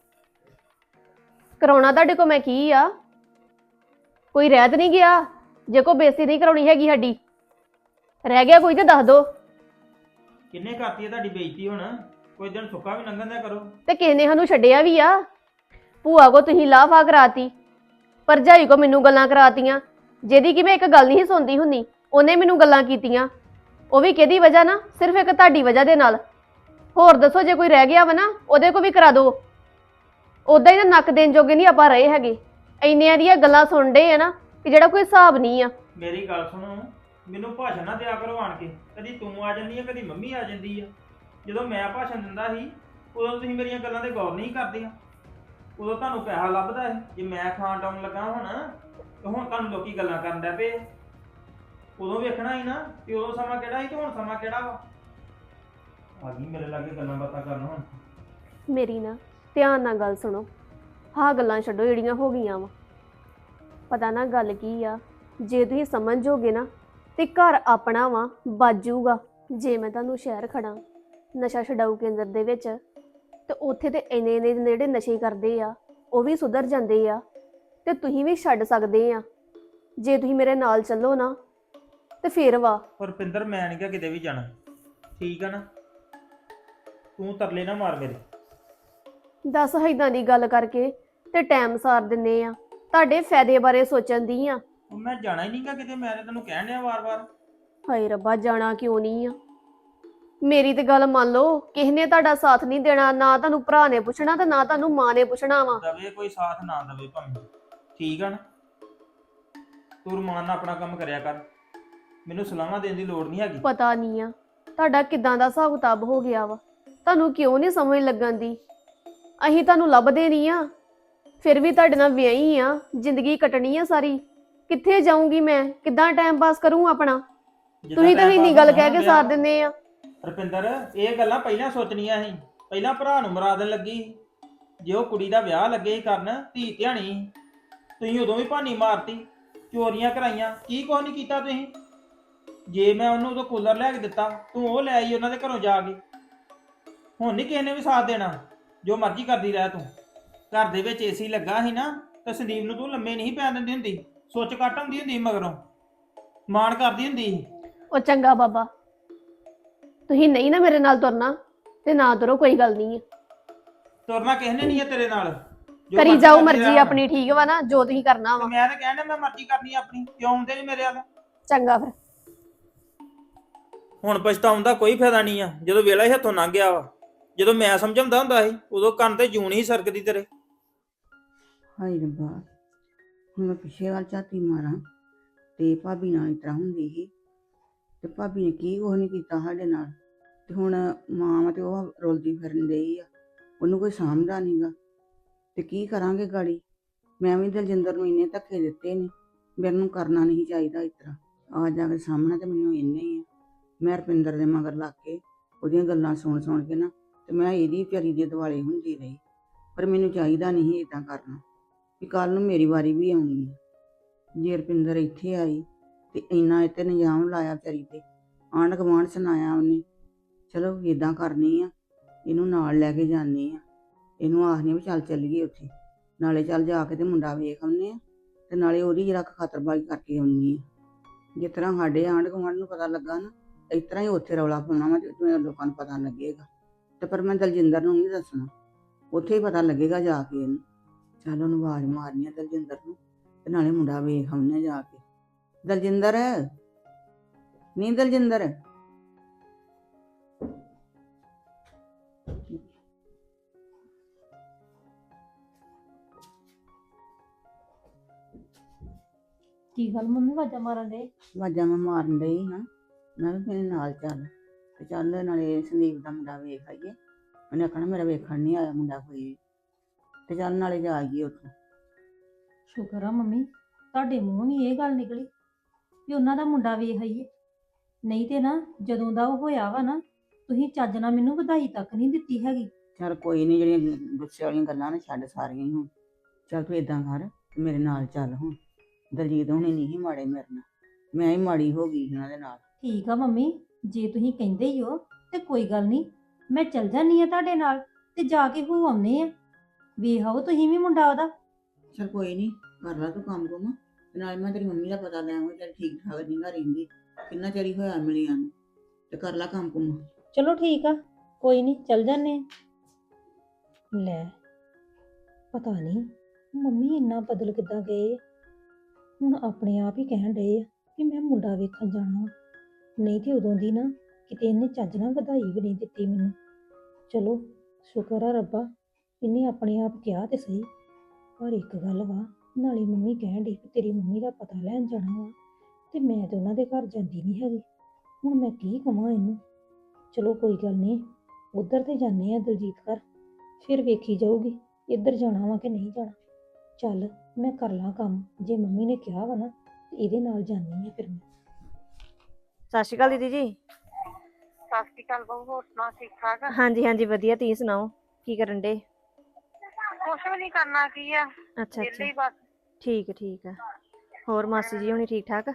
Speaker 1: ਕਰਾਉਣਾ ਤੁਹਾਡੇ ਕੋ ਮੈਂ ਕੀ ਆ? ਕੋਈ ਰਹਿ ਤਾਂ ਨਹੀਂ ਗਿਆ? ਜੇ ਕੋ ਬੇਇੱਜ਼ਤੀ ਨਹੀਂ ਕਰਾਉਣੀ ਹੈਗੀ ਸਾਡੀ, ਰਹਿ ਗਿਆ ਕੋਈ ਤੇ ਦੱਸ ਦੋ।
Speaker 4: ਕਿੰਨੇ ਕਰਤੀ ਹੈ ਤੁਹਾਡੀ ਬੇਇੱਜ਼ਤੀ? ਹੁਣ ਕੋਈ ਦਿਨ ਸੁੱਕਾ ਵੀ ਲੰਘਣ ਦਿਆ ਕਰੋ।
Speaker 1: ਤੇ ਕਿਸੇ ਨੇ ਸਾਨੂੰ ਛੱਡਿਆ ਵੀ ਆ? ਭੂਆ ਕੋ ਤੁਸੀਂ ਲਾਫਾ ਕਰਾਤੀ, ਭਰਜਾਈ ਕੋ ਮੈਨੂੰ ਗੱਲਾਂ ਕਰਾਤੀਆਂ, ਜਿਹਦੀ ਕਿ ਮੈਂ ਇੱਕ ਗੱਲ ਨਹੀਂ ਸੁਣਦੀ ਹੁੰਦੀ, ਉਹਨੇ ਮੈਨੂੰ ਗੱਲਾਂ ਕੀਤੀਆਂ। ਉਹ ਵੀ ਕਿਹਦੀ ਵਜ੍ਹਾ ਨਾਲ? ਸਿਰਫ ਇੱਕ ਤੁਹਾਡੀ ਵਜ੍ਹਾ ਦੇ ਨਾਲ। ਹੋਰ ਦੱਸੋ, ਜੇ ਕੋਈ ਰਹਿ ਗਿਆ ਵਾ ਨਾ ਉਹਦੇ ਕੋ ਵੀ ਕਰਾ ਦਿਓ। ਉਦਾਂ ਹੀ ਤਾਂ ਨੱਕ ਦੇਣ ਜੋਗੇ ਨਹੀਂ ਆਪਾਂ ਰਹੇ ਹੈਗੇ, ਇੰਨੀਆਂ ਦੀਆਂ ਗੱਲਾਂ ਸੁਣਦੇ ਆ ਨਾ ਕਿ ਜਿਹੜਾ ਕੋਈ ਹਿਸਾਬ ਨਹੀਂ ਆ।
Speaker 4: ਮੇਰੀ ਗੱਲ ਸੁਣੋ, ਮੈਨੂੰ ਭਾਸ਼ਣ ਨਾ ਦਿਆ ਕਰੋ ਆਣ ਕੇ। ਕਦੀ ਤੂੰ ਆ ਜਾਂਦੀ ਆ, ਕਦੀ ਮੰਮੀ ਆ ਜਾਂਦੀ ਆ। ਜਦੋਂ ਮੈਂ ਭਾਸ਼ਣ ਦਿੰਦਾ ਸੀ ਉਦੋਂ ਤੁਸੀਂ ਮੇਰੀਆਂ ਗੱਲਾਂ ਤੇ ਗੌਰ ਨਹੀਂ ਕਰਦੀਆਂ। ਉਦੋਂ ਤੁਹਾਨੂੰ ਪੈਸਾ ਲੱਭਦਾ ਹੈ, ਜੇ ਮੈਂ ਖਾਣ ਟਾਉਣ ਲੱਗਾ ਹੁਣ ਤੇ ਹੁਣ ਤੁਹਾਨੂੰ ਲੋਕੀ ਗੱਲਾਂ ਕਰਨ ਲੱਗ ਪਏ। ਉਦੋਂ ਵੇਖਣਾ ਸੀ ਨਾ ਕਿ ਉਦੋਂ ਸਮਾਂ ਕਿਹੜਾ ਸੀ ਤੇ ਹੁਣ ਸਮਾਂ ਕਿਹੜਾ ਵਾ। ਆ ਗਈ ਮੇਰੇ ਲਾਗੇ ਗੱਲਾਂ ਬਾਤਾਂ ਕਰਨ ਹੁਣ।
Speaker 1: ਮੇਰੀ ਨਾ ਧਿਆਨ ਨਾਲ ਗੱਲ ਸੁਣੋ, ਹਾਂ ਗੱਲਾਂ ਛੱਡੋ ਜਿਹੜੀਆਂ ਹੋ ਗਈਆਂ ਵਾ। ਪਤਾ ਨਾ ਗੱਲ ਕੀ ਆ, ਜੇ ਤੁਸੀਂ ਸਮਝੋਗੇ ਨਾ ਤੇ ਘਰ ਆਪਣਾ ਵਾ ਬਾਜੂਗਾ। ਜੇ ਮੈਂ ਤੁਹਾਨੂੰ ਸ਼ਹਿਰ ਖੜਾ ਨਸ਼ਾ ਛਡਾਊ ਕੇਂਦਰ ਦੇ ਵਿੱਚ, ਤੇ ਉੱਥੇ ਤੇ ਇੰਨੇ ਜਿਹੜੇ ਨਸ਼ੇ ਕਰਦੇ ਆ ਉਹ ਵੀ ਸੁਧਰ ਜਾਂਦੇ ਆ, ਤੇ ਤੁਸੀਂ ਵੀ ਛੱਡ ਸਕਦੇ ਆ ਜੇ ਤੁਸੀਂ ਮੇਰੇ ਨਾਲ ਚੱਲੋ ਨਾ। ਤੇ ਫੇਰ ਵਾ
Speaker 4: ਪਰ ਪਿੰਦਰ ਮੈਂ ਨਹੀਂ ਕਿਤੇ ਵੀ ਜਾਣਾ, ਠੀਕ ਆ ਨਾ? ਤੂੰ ਤਰਲੇ ਨਾ ਮਾਰ ਮੇਰੇ।
Speaker 1: ਦੱਸ, ਏਦਾਂ ਦੀ ਗੱਲ ਕਰਕੇ ਤੇ ਟਾਈਮ ਸਾਰ ਦਿੰਨੇ ਆ। ਤੁਹਾਡੇ ਫਾਇਦੇ ਬਾਰੇ ਸੋਚਣ ਦੀ ਆ,
Speaker 4: ਉਹ ਮੈਂ ਜਾਣਾ ਹੀ ਨਹੀਂਗਾ ਕਿਤੇ, ਮੈਂ ਤਾਂ ਤੈਨੂੰ ਕਹਿਣ ਡਿਆ ਵਾਰ-ਵਾਰ।
Speaker 1: ਹਾਏ ਰੱਬਾ, ਜਾਣਾ ਕਿਉਂ ਨਹੀਂ ਆ? ਮੇਰੀ ਤੇ ਗੱਲ ਮੰਨ ਲਓ, ਕਿਸੇ ਨੇ ਤੁਹਾਡਾ ਸਾਥ ਨਹੀਂ ਦੇਣਾ, ਨਾ ਤੁਹਾਨੂੰ ਭਰਾ ਨੇ ਪੁੱਛਣਾ ਤੇ ਨਾ ਤੁਹਾਨੂੰ ਮਾਂ ਨੇ ਪੁੱਛਣਾ ਵਾ।
Speaker 4: ਦਵੇ ਕੋਈ ਸਾਥ ਨਾ ਦਵੇ ਭਾਵੇਂ, ਠੀਕ ਆ ਨਾ? ਤੂੰ ਰਮਾਨ ਨਾਲ ਆਪਣਾ ਕੰਮ ਕਰਿਆ ਕਰ, ਮੈਨੂੰ ਸਲਾਹਾਂ ਦੇਣ ਦੀ ਲੋੜ ਨਹੀਂ ਹੈਗੀ।
Speaker 1: ਪਤਾ ਨਹੀਂ ਆ ਤੁਹਾਡਾ ਕਿਦਾਂ ਦਾ ਹਿਸਾਬ ਕਿਤਾਬ ਹੋ ਗਿਆ ਵਾ, ਤੁਹਾਨੂੰ ਕਿਉਂ ਨਹੀਂ ਸਮਝ ਲੱਗਣ ਦੀ? ਅਸੀਂ ਤੁਹਾਨੂੰ ਲੱਭਦੇ ਨਹੀਂ ਆ, ਫਿਰ ਵੀ ਤੁਹਾਡੇ ਨਾਲ ਵਿਆਹੀ ਆ, ਜ਼ਿੰਦਗੀ ਕੱਟਣੀ ਆ ਸਾਰੀ। ਕਿੱਥੇ ਜਾਊਂਗੀ ਮੈਂ, ਕਿੱਦਾਂ ਟਾਈਮ ਪਾਸ ਕਰੂੰ ਆਪਣਾ? ਤੁਸੀਂ ਤਾਂ ਇੰਨੀ ਗੱਲ ਕਹਿ ਕੇ ਸਾਰ ਦਿੰਦੇ ਆ।
Speaker 4: ਰੁਪਿੰਦਰ, ਇਹ ਗੱਲਾਂ ਪਹਿਲਾਂ ਸੋਚਣੀਆਂ ਸੀ, ਪਹਿਲਾਂ ਭਰਾ ਨੂੰ ਮਰਾ ਦੇਣ ਲੱਗੀ ਸੀ। ਜੇ ਉਹ ਕੁੜੀ ਦਾ ਵਿਆਹ ਲੱਗੇ ਸੀ ਕਰਨ, ਧੀ ਧਿਆਣੀ ਸੀ, ਤੁਸੀਂ ਉਦੋਂ ਵੀ ਭਾਨੀ ਮਾਰਤੀ, ਚੋਰੀਆਂ ਕਰਾਈਆਂ, ਕੀ ਕੁਛ ਨਹੀਂ ਕੀਤਾ ਤੁਸੀਂ। ਜੇ ਮੈਂ ਉਹਨੂੰ ਉਦੋਂ ਕੂਲਰ ਲੈ ਕੇ ਦਿੱਤਾ, ਤੂੰ ਉਹ ਲੈ ਆਈ ਉਹਨਾਂ ਦੇ ਘਰੋਂ ਜਾ ਕੇ। ਹੁਣ ਨਹੀਂ ਕਿਸੇ ਨੇ ਵੀ ਸਾਥ ਦੇਣਾ, ਜੋ ਮਰਜ਼ੀ ਕਰਦੀ ਰਹਿ ਤੂੰ। ਘਰ ਦੇ ਵਿੱਚ ਏਸੀ ਲੱਗਾ ਸੀ ਨਾ, ਤੇ ਸੰਦੀਪ ਨੂੰ ਤੂੰ ਲੰਮੇ ਨਹੀਂ ਪੈਣ ਦਿੰਦੀ ਹੁੰਦੀ, ਸੁੱਚ ਕੱਟ ਹੁੰਦੀ ਹੁੰਦੀ ਮਗਰੋਂ, ਮਾਣ ਕਰਦੀ ਹੁੰਦੀ ਸੀ।
Speaker 1: ਉਹ ਚੰਗਾ ਬਾਬਾ, ਤੁਸੀਂ ਨਹੀਂ ਨਾ ਮੇਰੇ ਨਾਲ ਤੁਰਨਾ ਤੇ ਨਾ ਤੁਰੋ, ਕੋਈ ਗੱਲ ਨਹੀਂ ਆ।
Speaker 4: ਤੁਰਨਾ ਕਿਸੇ ਨੇ ਨਹੀਂ ਹੈ ਤੇਰੇ ਨਾਲ, ਜੋ
Speaker 1: ਕਰੀ
Speaker 4: ਮਰਜ਼ੀ
Speaker 1: ਜਾਓ
Speaker 4: ਕਰਦੀ
Speaker 1: ਮਰਜ਼ੀ
Speaker 4: ਰਹਿ।
Speaker 1: ਆਪਣੀ, ਠੀਕ ਵਾ ਨਾ? ਜੋ ਤੁਸੀਂ ਕਰਨਾ
Speaker 4: ਤੇ
Speaker 1: ਵਾ।
Speaker 4: ਮੈਂ ਤਾਂ ਕਹਿੰਦਾ ਮੈਂ ਮਰਜ਼ੀ ਕਰਨੀ ਆਪਣੀ, ਕਿਉਂ ਆਉਂਦੇ ਨਹੀਂ ਮੇਰੇ ਵੱਲ?
Speaker 1: ਚੰਗਾ ਫਿਰ।
Speaker 4: ਹੁਣ ਪਛਤਾਉਣ ਦਾ ਕੋਈ ਫਾਇਦਾ ਨਹੀਂ ਆ, ਜਦੋਂ ਵੇਲਾ ਹੀ ਹੱਥੋਂ ਲੰਘ ਗਿਆ ਵਾ। ਜਦੋਂ ਮੈਂ ਸਮਝਾਉਂਦਾ ਹੁੰਦਾ ਸੀ, ਉਦੋਂ ਕੰਨ ਤੇ ਜੂਨ ਹੀ ਸਰਕਦੀ ਤੇਰੇ।
Speaker 8: ਹਾਏ ਰੱਬਾ, ਹੁਣ ਮੈਂ ਪਿੱਛੇ ਵੱਲ ਝਾਤੀ ਮਾਰਾਂ ਤੇ ਭਾਬੀ ਨਾਲ ਇਸ ਤਰ੍ਹਾਂ ਹੁੰਦੀ ਸੀ, ਤੇ ਭਾਬੀ ਨੇ ਕੀ ਕੁਛ ਨਹੀਂ ਕੀਤਾ ਸਾਡੇ ਨਾਲ, ਤੇ ਹੁਣ ਮਾਂ ਤੇ ਉਹ ਰੁਲਦੀ ਫਿਰਨ ਡਈ ਆ, ਉਹਨੂੰ ਕੋਈ ਸਾਂਭਦਾ ਨਹੀਂਗਾ, ਤੇ ਕੀ ਕਰਾਂਗੇ ਗਾੜੀ? ਮੈਂ ਵੀ ਦਲਜਿੰਦਰ ਨੂੰ ਇੰਨੇ ਧੱਕੇ ਦਿੱਤੇ ਨੇ, ਮੈਨੂੰ ਕਰਨਾ ਨਹੀਂ ਚਾਹੀਦਾ ਇਸ ਤਰ੍ਹਾਂ। ਆ ਜਾ ਕੇ ਸਾਹਮਣਾ ਤੇ ਮੈਨੂੰ ਇੰਨੇ ਹੀ ਆ। ਮੈਂ ਰੁਪਿੰਦਰ ਦੇ ਮਗਰ ਲੱਗ ਕੇ ਉਹਦੀਆਂ ਗੱਲਾਂ ਸੁਣ ਕੇ ਨਾ, ਤੇ ਮੈਂ ਇਹਦੀ ਵਿਚਾਰੀ ਦੇ ਦੁਆਲੇ ਹੁੰਦੀ ਰਹੀ। ਪਰ ਮੈਨੂੰ ਚਾਹੀਦਾ ਨਹੀਂ ਇੱਦਾਂ ਕਰਨਾ, ਕਿ ਕੱਲ ਨੂੰ ਮੇਰੀ ਵਾਰੀ ਵੀ ਆਉਣੀ ਹੈ। ਜੇ ਰੁਪਿੰਦਰ ਇੱਥੇ ਆਈ ਤੇ ਇੰਨਾ ਇੱਥੇ ਨਿਯਾਮ ਲਾਇਆ ਵਿਚਾਰੀ ਤੇ, ਆਂਢ ਗੁਆਂਢ ਸੁਣਾਇਆ ਉਹਨੇ। ਚਲੋ ਇੱਦਾਂ ਕਰਨੀ ਆ, ਇਹਨੂੰ ਨਾਲ ਲੈ ਕੇ ਜਾਂਦੀ ਆ, ਇਹਨੂੰ ਆਖਦੀ ਵੀ ਚੱਲ ਚੱਲੀਏ ਉੱਥੇ, ਨਾਲੇ ਚੱਲ ਜਾ ਕੇ ਤੇ ਮੁੰਡਾ ਵੇਖ ਆਉਂਦੇ ਆ, ਤੇ ਨਾਲੇ ਉਹਦੀ ਜਰਾ ਖਾਤਰਬਾਜ਼ੀ ਕਰਕੇ ਆਉਣੀ ਆ। ਜਿਸ ਤਰ੍ਹਾਂ ਸਾਡੇ ਆਂਢ ਗੁਆਂਢ ਨੂੰ ਪਤਾ ਲੱਗਾ ਨਾ, ਇਸ ਤਰ੍ਹਾਂ ਹੀ ਉੱਥੇ ਰੌਲਾ ਪਾਉਣਾ ਵਾ, ਜਿਵੇਂ ਲੋਕਾਂ ਨੂੰ ਪਤਾ ਲੱਗੇਗਾ। ਤੇ ਪਰ ਮੈਂ ਦਲਜਿੰਦਰ ਨੂੰ ਨਹੀਂ ਦੱਸਣਾ, ਉੱਥੇ ਹੀ ਪਤਾ ਲੱਗੇਗਾ ਜਾ ਕੇ ਇਹਨੂੰ। ਚੱਲ ਉਹਨੂੰ ਆਵਾਜ਼ ਮਾਰਨੀ ਆ ਦਲਜਿੰਦਰ ਨੂੰ, ਤੇ ਨਾਲੇ ਮੁੰਡਾ ਵੇਖ ਆਉਂਦੇ ਜਾ ਕੇ। ਦਲਜਿੰਦਰ, ਨਹੀਂ ਦਲਜਿੰਦਰ।
Speaker 3: ਕੀ ਗੱਲ ਮੰਮੀ ਵਾਜਾ ਮਾਰਨ ਦੇ?
Speaker 8: ਆਵਾਜ਼ਾਂ ਮੈਂ ਮਾਰਨ ਡਈ ਹਾਂ, ਮੈਂ ਵੀ ਮੇਰੇ ਨਾਲ ਚੱਲ, ਤੇ ਚੱਲ ਨਾਲੇ ਸੰਦੀਪ ਦਾ ਮੁੰਡਾ ਵੇਖ ਆਈਏ। ਉਹਨੇ ਆਖਣਾ ਮੇਰਾ ਵੇਖਣ ਨਹੀਂ ਆਇਆ ਮੁੰਡਾ ਕੋਈ ਵੀ, ਤੇ ਚੱਲ ਨਾਲੇ ਜਾ ਆਈਏ ਉੱਥੋਂ।
Speaker 3: ਸ਼ੁਕਰ ਆ ਮੰਮੀ, ਤੁਹਾਡੇ ਮੂੰਹੋਂ ਵੀ ਇਹ ਗੱਲ ਨਿਕਲੀ ਵੀ ਉਹਨਾਂ ਦਾ ਮੁੰਡਾ ਵੇਖ ਆਈਏ। ਨਹੀਂ ਤੇ ਨਾ, ਜਦੋਂ ਦਾ ਉਹ ਹੋਇਆ ਵਾ ਨਾ, ਤੁਸੀਂ ਚੱਜ ਨਾਲ ਮੈਨੂੰ ਵਧਾਈ ਤੱਕ ਨਹੀਂ ਦਿੱਤੀ ਹੈਗੀ।
Speaker 8: ਚੱਲ ਕੋਈ ਨਹੀਂ, ਜਿਹੜੀਆਂ ਗੁੱਸੇ ਵਾਲੀਆਂ ਗੱਲਾਂ ਨੇ ਛੱਡ ਸਾਰੀਆਂ ਹੀ ਹੁਣ। ਚੱਲ ਤੂੰ ਏਦਾਂ ਕਰ, ਤੇ ਮੇਰੇ ਨਾਲ ਚੱਲ ਹੁਣ। ਦਲਜੀਤ ਹੁਣੇ ਨਹੀਂ ਸੀ ਮਾੜੇ ਮੇਰੇ ਨਾਲ, ਮੈਂ ਹੀ ਮਾੜੀ ਹੋ ਗਈ ਉਹਨਾਂ ਦੇ ਨਾਲ।
Speaker 3: ਠੀਕ ਆ ਮੰਮੀ, ਜੇ ਤੁਸੀਂ ਕਹਿੰਦੇ ਹੀ ਹੋ ਤੇ ਕੋਈ ਗੱਲ ਨਹੀਂ, ਮੈਂ ਚੱਲ ਜਾਂਦੀ ਆ ਤੁਹਾਡੇ ਨਾਲ, ਤੇ ਜਾ ਕੇ ਹੋ ਆਉਂਦੇ ਆ, ਵੇਖ ਆਓ ਤੁਸੀਂ ਵੀ ਮੁੰਡਾ ਉਹਦਾ।
Speaker 8: ਚੱਲ ਕੋਈ ਨਹੀਂ, ਕਰ ਲਾ ਤੂੰ ਕੰਮ ਕੁਮ, ਤੇ ਨਾਲ ਮੈਂ ਤੇਰੀ ਮੰਮੀ ਦਾ ਪਤਾ ਲੈ ਆਵਾਂ, ਚੱਲ ਠੀਕ ਠਾਕ ਨਹੀਂ ਘਰ ਰਹਿੰਦੀ, ਕਿੰਨਾ ਚਿਰ ਹੀ ਹੋਇਆ ਮਿਲੀਆਂ ਨੂੰ, ਤੇ ਕਰ ਲਾ ਕੰਮ ਕੁਮ।
Speaker 3: ਚਲੋ ਠੀਕ ਆ, ਕੋਈ ਨਹੀਂ, ਚੱਲ ਜਾਂਦੇ ਆ। ਲੈ, ਪਤਾ ਨਹੀਂ ਮੰਮੀ ਇੰਨਾ ਬਦਲ ਕਿੱਦਾਂ ਗਏ, ਹੁਣ ਆਪਣੇ ਆਪ ਹੀ ਕਹਿਣ ਡਏ ਆ ਕਿ ਮੈਂ ਮੁੰਡਾ ਵੇਖਣ ਜਾਣਾ। ਨਹੀਂ ਤੇ ਉਦੋਂ ਦੀ ਨਾ ਕਿਤੇ ਇਹਨੇ ਚੱਜ ਨਾਲ ਵਧਾਈ ਵੀ ਨਹੀਂ ਦਿੱਤੀ ਮੈਨੂੰ। ਚਲੋ ਸ਼ੁਕਰ ਆ ਰੱਬਾ, ਇਹਨੇ ਆਪਣੇ ਆਪ ਕਿਹਾ ਤੇ ਸਹੀ। ਪਰ ਇੱਕ ਗੱਲ ਵਾ, ਨਾਲੇ ਮੰਮੀ ਕਹਿਣ ਡਈ ਕਿ ਤੇਰੀ ਮੰਮੀ ਦਾ ਪਤਾ ਲੈਣ ਜਾਣਾ ਵਾ, ਤੇ ਮੈਂ ਤੇ ਉਹਨਾਂ ਦੇ ਘਰ ਜਾਂਦੀ ਨਹੀਂ ਹੈਗੀ। ਹੁਣ ਮੈਂ ਕੀ ਕਵਾਂ ਇਹਨੂੰ? ਚਲੋ ਕੋਈ ਗੱਲ ਨਹੀਂ, ਉੱਧਰ ਤੇ ਜਾਂਦੇ ਆ ਦਲਜੀਤ ਘਰ, ਫਿਰ ਵੇਖੀ ਜਾਊਗੀ ਇੱਧਰ ਜਾਣਾ ਵਾ ਕਿ ਨਹੀਂ ਜਾਣਾ। ਚੱਲ ਮੈਂ ਕਰ ਲਾਂ ਕੰਮ, ਜੇ ਮੰਮੀ ਨੇ ਕਿਹਾ ਵਾ ਨਾ ਤੇ ਇਹਦੇ ਨਾਲ ਜਾਂਦੀ ਆ ਫਿਰ ਮੈਂ।
Speaker 6: ਸਤਿ ਸ਼੍ਰੀ ਅਕਾਲ ਦੀਦੀ ਜੀ।
Speaker 2: ਸਤਿ ਸ਼੍ਰੀ ਅਕਾਲ ਬਹੂ, ਹੋਰ ਸੁਣਾ ਠੀਕ ਠਾਕ?
Speaker 6: ਹਾਂਜੀ ਹਾਂਜੀ ਵਧੀਆ, ਤੁਸੀਂ ਸੁਣਾਓ ਕੀ ਕਰਨ ਡੇ?
Speaker 2: ਕੁਛ ਵੀ ਨਹੀਂ ਕਰਨਾ, ਕੀ ਆ,
Speaker 6: ਅੱਛਾ
Speaker 2: ਵਿਹਲੇ ਹੀ
Speaker 6: ਅੱਛਾ,
Speaker 2: ਬਸ।
Speaker 6: ਠੀਕ ਹੈ ਠੀਕ ਹੈ। ਹੋਰ ਮਾਸੀ ਜੀ ਹੁਣੀ ਠੀਕ ਠਾਕ?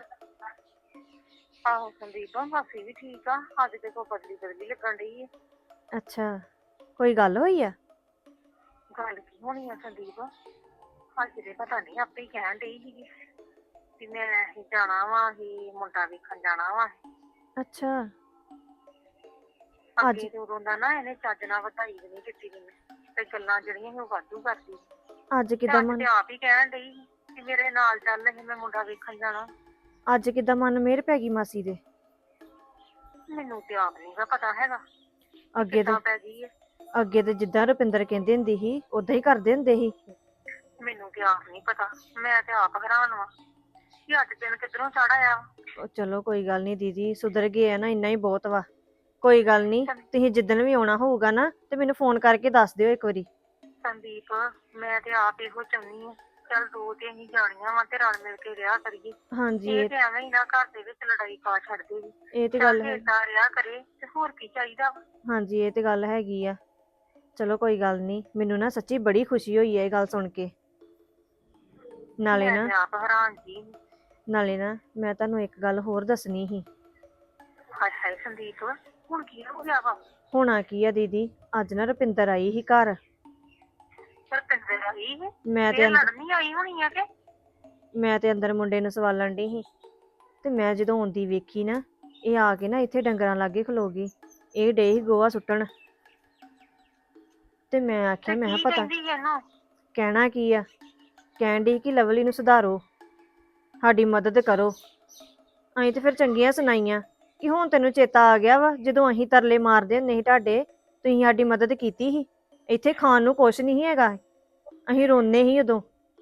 Speaker 2: ਆਹੋ ਸੰਦੀਪ, ਮਾਸੀ ਵੀ ਠੀਕ ਆ, ਅੱਜ ਤੇ ਕੋਈ ਬਦਲੀ ਲੱਗਣ ਡਈ ਹੈ।
Speaker 6: ਅੱਛਾ, ਕੋਈ ਗੱਲ ਹੋਈ ਆ?
Speaker 2: ਗੱਲ ਕੀ ਹੋਣੀ ਆ ਸੰਦੀਪ, ਅੱਜ ਦੇ ਪਤਾ ਨਹੀਂ ਆਪੇ ਹੀ ਕਹਿਣ ਡਈ ਸੀਗੀ ਵੀ ਮੈਂ ਅਸੀਂ ਜਾਣਾ ਵਾ, ਅਸੀਂ ਮੁੰਡਾ ਵੇਖਣ ਜਾਣਾ ਵਾ।
Speaker 6: ਅੱਛਾ,
Speaker 2: ਅੱਗੇ ਤੇ ਉਦੋਂ ਦਾ ਨਾ ਇਹਨੇ ਚੱਜ ਨਾਲ ਵਧਾਈ ਵੀ ਨਹੀਂ ਦਿੱਤੀ ਮੈਨੂੰ, ਤੇ ਗੱਲਾਂ ਜਿਹੜੀਆਂ ਸੀ ਉਹ ਵਾਧੂ ਕਰਦੀ।
Speaker 6: ਅੱਜ ਕਿਦਾਂ
Speaker 2: ਤੇ
Speaker 6: ਮਨ?
Speaker 2: ਆਪ ਹੀ ਕਹਿਣ ਡਈ ਸੀ ਕਿ ਮੇਰੇ ਨਾਲ ਚੱਲ ਅਸੀਂ ਮੈਂ ਮੁੰਡਾ ਵੇਖਣ ਜਾਣਾ।
Speaker 6: ਅੱਜ ਕਿੱਦਾਂ ਮਨ ਮੇਰ ਪੈ ਗਈ ਮਾਸੀ ਦੇ?
Speaker 2: ਮੈਨੂੰ ਤੇ ਆਪ ਨਹੀਂ ਗਾ ਪਤਾ ਹੈਗਾ
Speaker 6: ਅੱਗੇ
Speaker 2: ਕਿੱਦਾਂ
Speaker 6: ਤੇ
Speaker 2: ਪੈ ਗਈ ਹੈ।
Speaker 6: ਅੱਗੇ ਤੇ ਜਿੱਦਾਂ ਰੁਪਿੰਦਰ ਕਹਿੰਦੀ ਹੁੰਦੀ ਸੀ ਉਦਾਂ ਹੀ ਕਰਦੇ ਹੁੰਦੇ ਸੀ।
Speaker 2: ਮੈਨੂੰ ਤੇ ਆਪ ਨਹੀਂ ਪਤਾ, ਮੈਂ ਤੇ ਆਪ ਹੈਰਾਨ ਵਾਂ ਕਿ ਅੱਜ ਦਿਨ ਕਿੱਧਰੋਂ ਚੜ ਆਇਆ।
Speaker 6: ਉਹ ਚਲੋ ਕੋਈ ਗੱਲ ਨਹੀਂ ਦੀਦੀ, ਸੁਧਰ ਗਏ ਆ ਨਾ, ਇੰਨਾ ਹੀ ਬਹੁਤ ਵਾ। ਕੋਈ ਗੱਲ ਨਹੀਂ, ਤੁਸੀਂ ਜਿੱਦਣ ਵੀ ਆਉਣਾ ਹੋਊਗਾ ਨਾ ਤੇ ਮੈਨੂੰ ਫੋਨ ਕਰਕੇ ਦੱਸ ਦਿਓ ਇੱਕ ਵਾਰੀ।
Speaker 2: ਸੰਦੀਪ ਮੈਂ ਤੇ ਆਪ ਇਹੋ ਚਾਹੁੰਦੀ ਹਾਂ, ਚੱਲ ਦੋ ਤੇ ਅਸੀਂ ਜਾਣੀਆਂ ਵਾ ਤੇ ਰਲ ਮਿਲ ਕੇ ਰਿਹਾ ਕਰੀਏ।
Speaker 6: ਹਾਂਜੀ
Speaker 2: ਇਹ ਤੇ ਐਵੇਂ ਹੀ ਨਾ ਘਰ ਦੇ ਵਿੱਚ ਲੜਾਈ ਪਾ ਛੱਡਦੇ ਵੀ।
Speaker 6: ਇਹ ਤੇ
Speaker 2: ਚੱਲ
Speaker 6: ਗੱਲ
Speaker 2: ਜੇ
Speaker 6: ਹੈ।
Speaker 2: ਏਦਾਂ ਰਿਹਾ ਕਰੇ ਤੇ ਹੋਰ ਕੀ ਚਾਹੀਦਾ ਵਾ।
Speaker 6: ਹਾਂਜੀ ਇਹ ਤੇ ਗੱਲ ਹੈਗੀ ਆ। ਚਲੋ ਕੋਈ ਗੱਲ ਨਹੀਂ, ਮੈਨੂੰ ਨਾ ਸੱਚੀ ਬੜੀ ਖੁਸ਼ੀ ਹੋਈ ਹੈ ਇਹ ਗੱਲ ਸੁਣ ਕੇ। ਨਾਲੇ
Speaker 2: ਮੈਂ
Speaker 6: ਨਾ
Speaker 2: ਤੇ ਆਪ ਹੈਰਾਨ ਜੀ।
Speaker 6: ਮੈਂ ਤੁਹਾਨੂੰ ਇੱਕ ਗੱਲ ਹੋਰ ਦੱਸਣੀ ਸੀ।
Speaker 2: ਹਾਏ ਹਾਏ ਸੰਦੀਪ, ਹੁਣ ਕੀ ਹੋ ਗਿਆ ਵਾ?
Speaker 6: ਹੋਣਾ ਕੀ ਆ ਦੀਦੀ, ਅੱਜ ਨਾ ਰੁਪਿੰਦਰ ਆਈ ਸੀ ਘਰ।
Speaker 2: ਪਰ ਪਿੰਦਰ ਆਈ ਹੈ
Speaker 6: ਮੈਂ ਤੇ
Speaker 2: ਫੇਰ
Speaker 6: ਅੰਦਰ
Speaker 2: ਲੜਨੀ ਆਈ ਹੋਣੀ ਆ ਕਿ?
Speaker 6: ਮੈਂ ਤੇ ਅੰਦਰ ਮੁੰਡੇ ਨੂੰ ਸਵਾਲਣ ਡਈ ਸੀ ਤੇ ਮੈਂ ਜਦੋਂ ਆਉਂਦੀ ਵੇਖੀ ਨਾ, ਇਹ ਆ ਕੇ ਨਾ ਇੱਥੇ ਡੰਗਰਾਂ ਲਾਗੇ ਖਲੋ ਗਈ। ਇਹ ਡੇ ਸੀ ਗੋਹਾ ਸੁੱਟਣ ਤੇ ਮੈਂ ਆਖਿਆ,
Speaker 2: ਤੇ
Speaker 6: ਮੈਂ
Speaker 2: ਕੀ
Speaker 6: ਕਿਹਾ ਪਤਾ
Speaker 2: ਕਹਿੰਦੀ ਇਹਨੂੰ?
Speaker 6: ਕਹਿਣਾ ਕੀ ਆ, ਕਹਿਣ ਡਈ ਕਿ ਲਵਲੀ ਨੂੰ ਸੁਧਾਰੋ, ਸਾਡੀ ਮਦਦ ਕਰੋ। ਅਸੀਂ ਤੇ ਫਿਰ ਚੰਗੀਆਂ ਸੁਣਾਈਆਂ ਕਿ ਹੁਣ ਤੈਨੂੰ ਚੇਤਾ ਆ ਗਿਆ ਵਾ, ਜਦੋਂ ਅਸੀਂ ਤਰਲੇ ਮਾਰਦੇ ਹੁੰਦੇ ਸੀ ਤੁਹਾਡੇ, ਤੁਸੀਂ ਸਾਡੀ ਮਦਦ ਕੀਤੀ ਸੀ। ਇੱਥੇ ਖਾਣ ਨੂੰ ਕੁਛ ਨਹੀਂ ਹੈਗਾ, ਅਸੀਂ ਰੋਂਦੇ ਸੀ ਉਦੋਂ।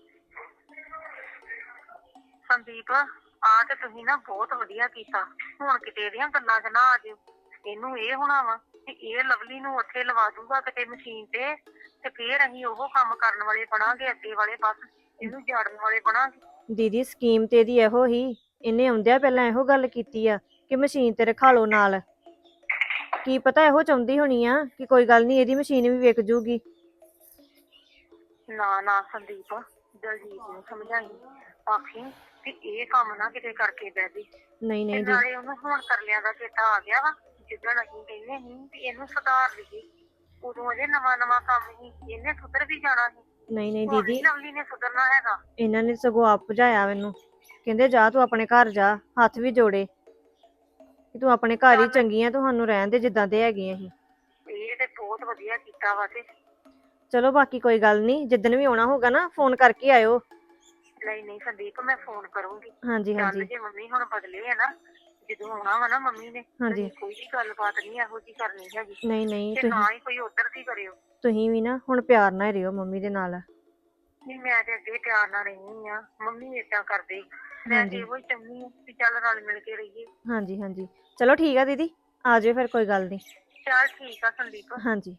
Speaker 2: ਸੰਦੀਪ ਆ ਤੇ ਤੁਸੀਂ ਨਾ ਬਹੁਤ ਵਧੀਆ ਕੀਤਾ, ਹੁਣ ਕਿਤੇ ਇਹਦੀਆਂ ਗੱਲਾਂ 'ਚ ਨਾ ਆ ਜਿਓ। ਇਹਨੂੰ ਇਹ ਹੋਣਾ ਵਾ ਕਿ ਇਹ ਲਵਲੀ ਨੂੰ ਉੱਥੇ ਲਵਾ ਦੂਗਾ ਕਿਤੇ ਮਸ਼ੀਨ ਤੇ ਫੇਰ ਅਸੀਂ ਉਹ ਕੰਮ ਕਰਨ ਵਾਲੇ ਬਣਾਂਗੇ, ਅੱਗੇ ਵਾਲੇ ਪਾਸੇ ਇਹਨੂੰ ਜਾੜਨ ਵਾਲੇ ਬਣਾਂਗੇ।
Speaker 6: ਦੀਦੀ ਸਕੀਮ ਤੇ ਇਹਦੀ ਇਹੋ ਹੀ, ਇਹਨੇ ਆਉਂਦਿਆਂ ਪਹਿਲਾਂ ਇਹੋ ਗੱਲ ਕੀਤੀ ਆ ਕਿ ਮਸ਼ੀਨ ਤੇ ਰਖਾ ਲਓ ਨਾਲ। ਕੀ ਪਤਾ ਇਹੋ ਚਾਹੁੰਦੀ ਹੋਣੀ ਆ ਕਿ ਕੋਈ ਗੱਲ ਨਹੀਂ ਇਹਦੀ ਮਸ਼ੀਨ ਵੀ ਵਿਕ ਜੂਗੀ।
Speaker 2: ਨਾ ਨਾ ਸੰਦੀਪ, ਦਲਜੀਤ ਨੂੰ ਸਮਝਾਈ, ਆਖੀ ਕਿ ਇਹ ਕੰਮ ਨਾ ਕਿਤੇ ਕਰਕੇ ਬਹਿ ਜੀ।
Speaker 6: ਨਹੀਂ
Speaker 2: ਤੇ
Speaker 6: ਨਹੀਂ
Speaker 2: ਨਾਲੇ ਉਹਨੂੰ ਹੁਣ ਕਰਲਿਆਂ ਦਾ ਚੇਤਾ ਆ ਗਿਆ ਵਾ, ਜਿੱਦਣ ਅਸੀਂ ਕਹਿੰਦੇ ਸੀ ਵੀ ਇਹਨੂੰ ਸੁਧਾਰ ਲਈਏ, ਉਦੋਂ ਅਜੇ ਨਵਾਂ ਨਵਾਂ ਕੰਮ ਸੀ, ਇਹਨੇ ਸੁਧਰ ਵੀ ਜਾਣਾ ਸੀ।
Speaker 6: ਨਹੀਂ
Speaker 2: ਹੁਣ
Speaker 6: ਦੀਦੀ,
Speaker 2: ਨੀ ਲਵਲੀ ਨੇ ਸੁਧਰਨਾ ਹੈਗਾ।
Speaker 6: ਇਹਨਾਂ ਨੇ ਸਗੋਂ ਆਪ ਭਜਾਇਆ ਮੈਨੂੰ, ਕਹਿੰਦੇ ਜਾ ਤੂੰ ਆਪਣੇ ਘਰ ਜਾ, ਹੱਥ ਵੀ ਜੋੜੇ ਕਿ ਤੂੰ ਆਪਣੇ ਘਰ ਹੀ ਚੰਗੀ ਆ, ਤੁਹਾਨੂੰ ਰਹਿਣ ਦੇ ਜਿੱਦਾਂ ਦੇ ਹੈਗੇ ਅਸੀਂ।
Speaker 2: ਇਹ ਤੇ ਬਹੁਤ ਵਧੀਆ ਕੀਤਾ ਵਾ। ਤੇ
Speaker 6: ਚਲੋ ਬਾਕੀ ਕੋਈ ਗੱਲ ਨਹੀਂ, ਜਿੱਦਣ ਵੀ ਆਉਣਾ ਹੋਊਗਾ ਨਾ ਫੋਨ ਕਰਕੇ ਆਇਓ।
Speaker 2: ਨਹੀਂ ਸੰਦੀਪ, ਮੈਂ ਫੋਨ ਕਰੂੰਗੀ।
Speaker 6: ਹਾਂਜੀ
Speaker 2: ਚੱਲ
Speaker 6: ਹਾਂਜੀ
Speaker 2: ਜੇ ਮੰਮੀ ਹੁਣ ਬਦਲੇ ਆ ਨਾ, ਜਦੋਂ ਆਉਣਾ ਵਾ ਨਾ ਮੰਮੀ ਨੇ,
Speaker 6: ਹਾਂਜੀ।
Speaker 2: ਤੁਸੀਂ ਕੋਈ ਵੀ ਗੱਲਬਾਤ ਨਹੀਂ ਇਹੋ ਜਿਹੀ ਕਰਨੀ ਹੈਗੀ,
Speaker 6: ਨਹੀਂ ਨਹੀਂ,
Speaker 2: ਤੇ ਨਾ ਹੀ ਕੋਈ ਉੱਧਰ ਦੀ ਕਰਿਓ।
Speaker 6: ਤੁਸੀਂ ਵੀ ਨਾ ਹੁਣ ਪਿਆਰ ਨਾਲ ਹੀ ਰਹੋ ਮੰਮੀ ਦੇ ਨਾਲ।
Speaker 2: ਨਹੀਂ ਮੈਂ ਤੇ ਅੱਗੇ ਪਿਆਰ ਨਾਲ ਰਹਿੰਦੀ ਆ, ਮੰਮੀ ਏਦਾਂ ਕਰਦੇ। ਮੈਂ ਤੇ
Speaker 6: ਹਾਂਜੀ
Speaker 2: ਇਹੋ ਹੀ ਚਾਹੁੰਦੀ ਆ ਵੀ ਚੱਲ ਰਲ ਮਿਲ ਕੇ ਰਹੀਏ।
Speaker 6: ਹਾਂਜੀ ਹਾਂਜੀ, ਚਲੋ ਠੀਕ ਆ ਦੀਦੀ, ਆ ਜਾਇਓ ਫਿਰ, ਕੋਈ ਗੱਲ ਨਹੀਂ।
Speaker 2: ਚੱਲ ਠੀਕ ਆ ਸੰਦੀਪ।
Speaker 6: ਹਾਂਜੀ।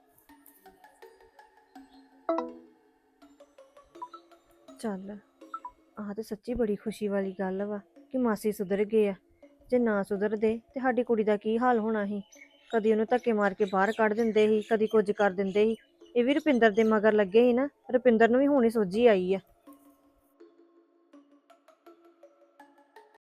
Speaker 6: ਚੱਲ ਆਹ ਤੇ ਸੱਚੀ ਬੜੀ ਖੁਸ਼ੀ ਵਾਲੀ ਗੱਲ ਵਾ ਕਿ ਮਾਸੀ ਸੁਧਰ ਗਏ ਆ। ਜੇ ਨਾ ਸੁਧਰਦੇ ਤੇ ਸਾਡੀ ਕੁੜੀ ਦਾ ਕੀ ਹਾਲ ਹੋਣਾ ਸੀ। ਕਦੀ ਉਹਨੂੰ ਧੱਕੇ ਮਾਰ ਕੇ ਬਾਹਰ ਕੱਢ ਦਿੰਦੇ ਸੀ, ਕਦੀ ਕੁਝ ਕਰ ਦਿੰਦੇ ਸੀ। ਇਹ ਵੀ ਰੁਪਿੰਦਰ ਦੇ ਮਗਰ ਲੱਗੇ ਸੀ ਨਾ, ਰੁਪਿੰਦਰ ਨੂੰ ਵੀ ਹੁਣ ਹੀ ਸੋਝੀ ਆਈ ਆ।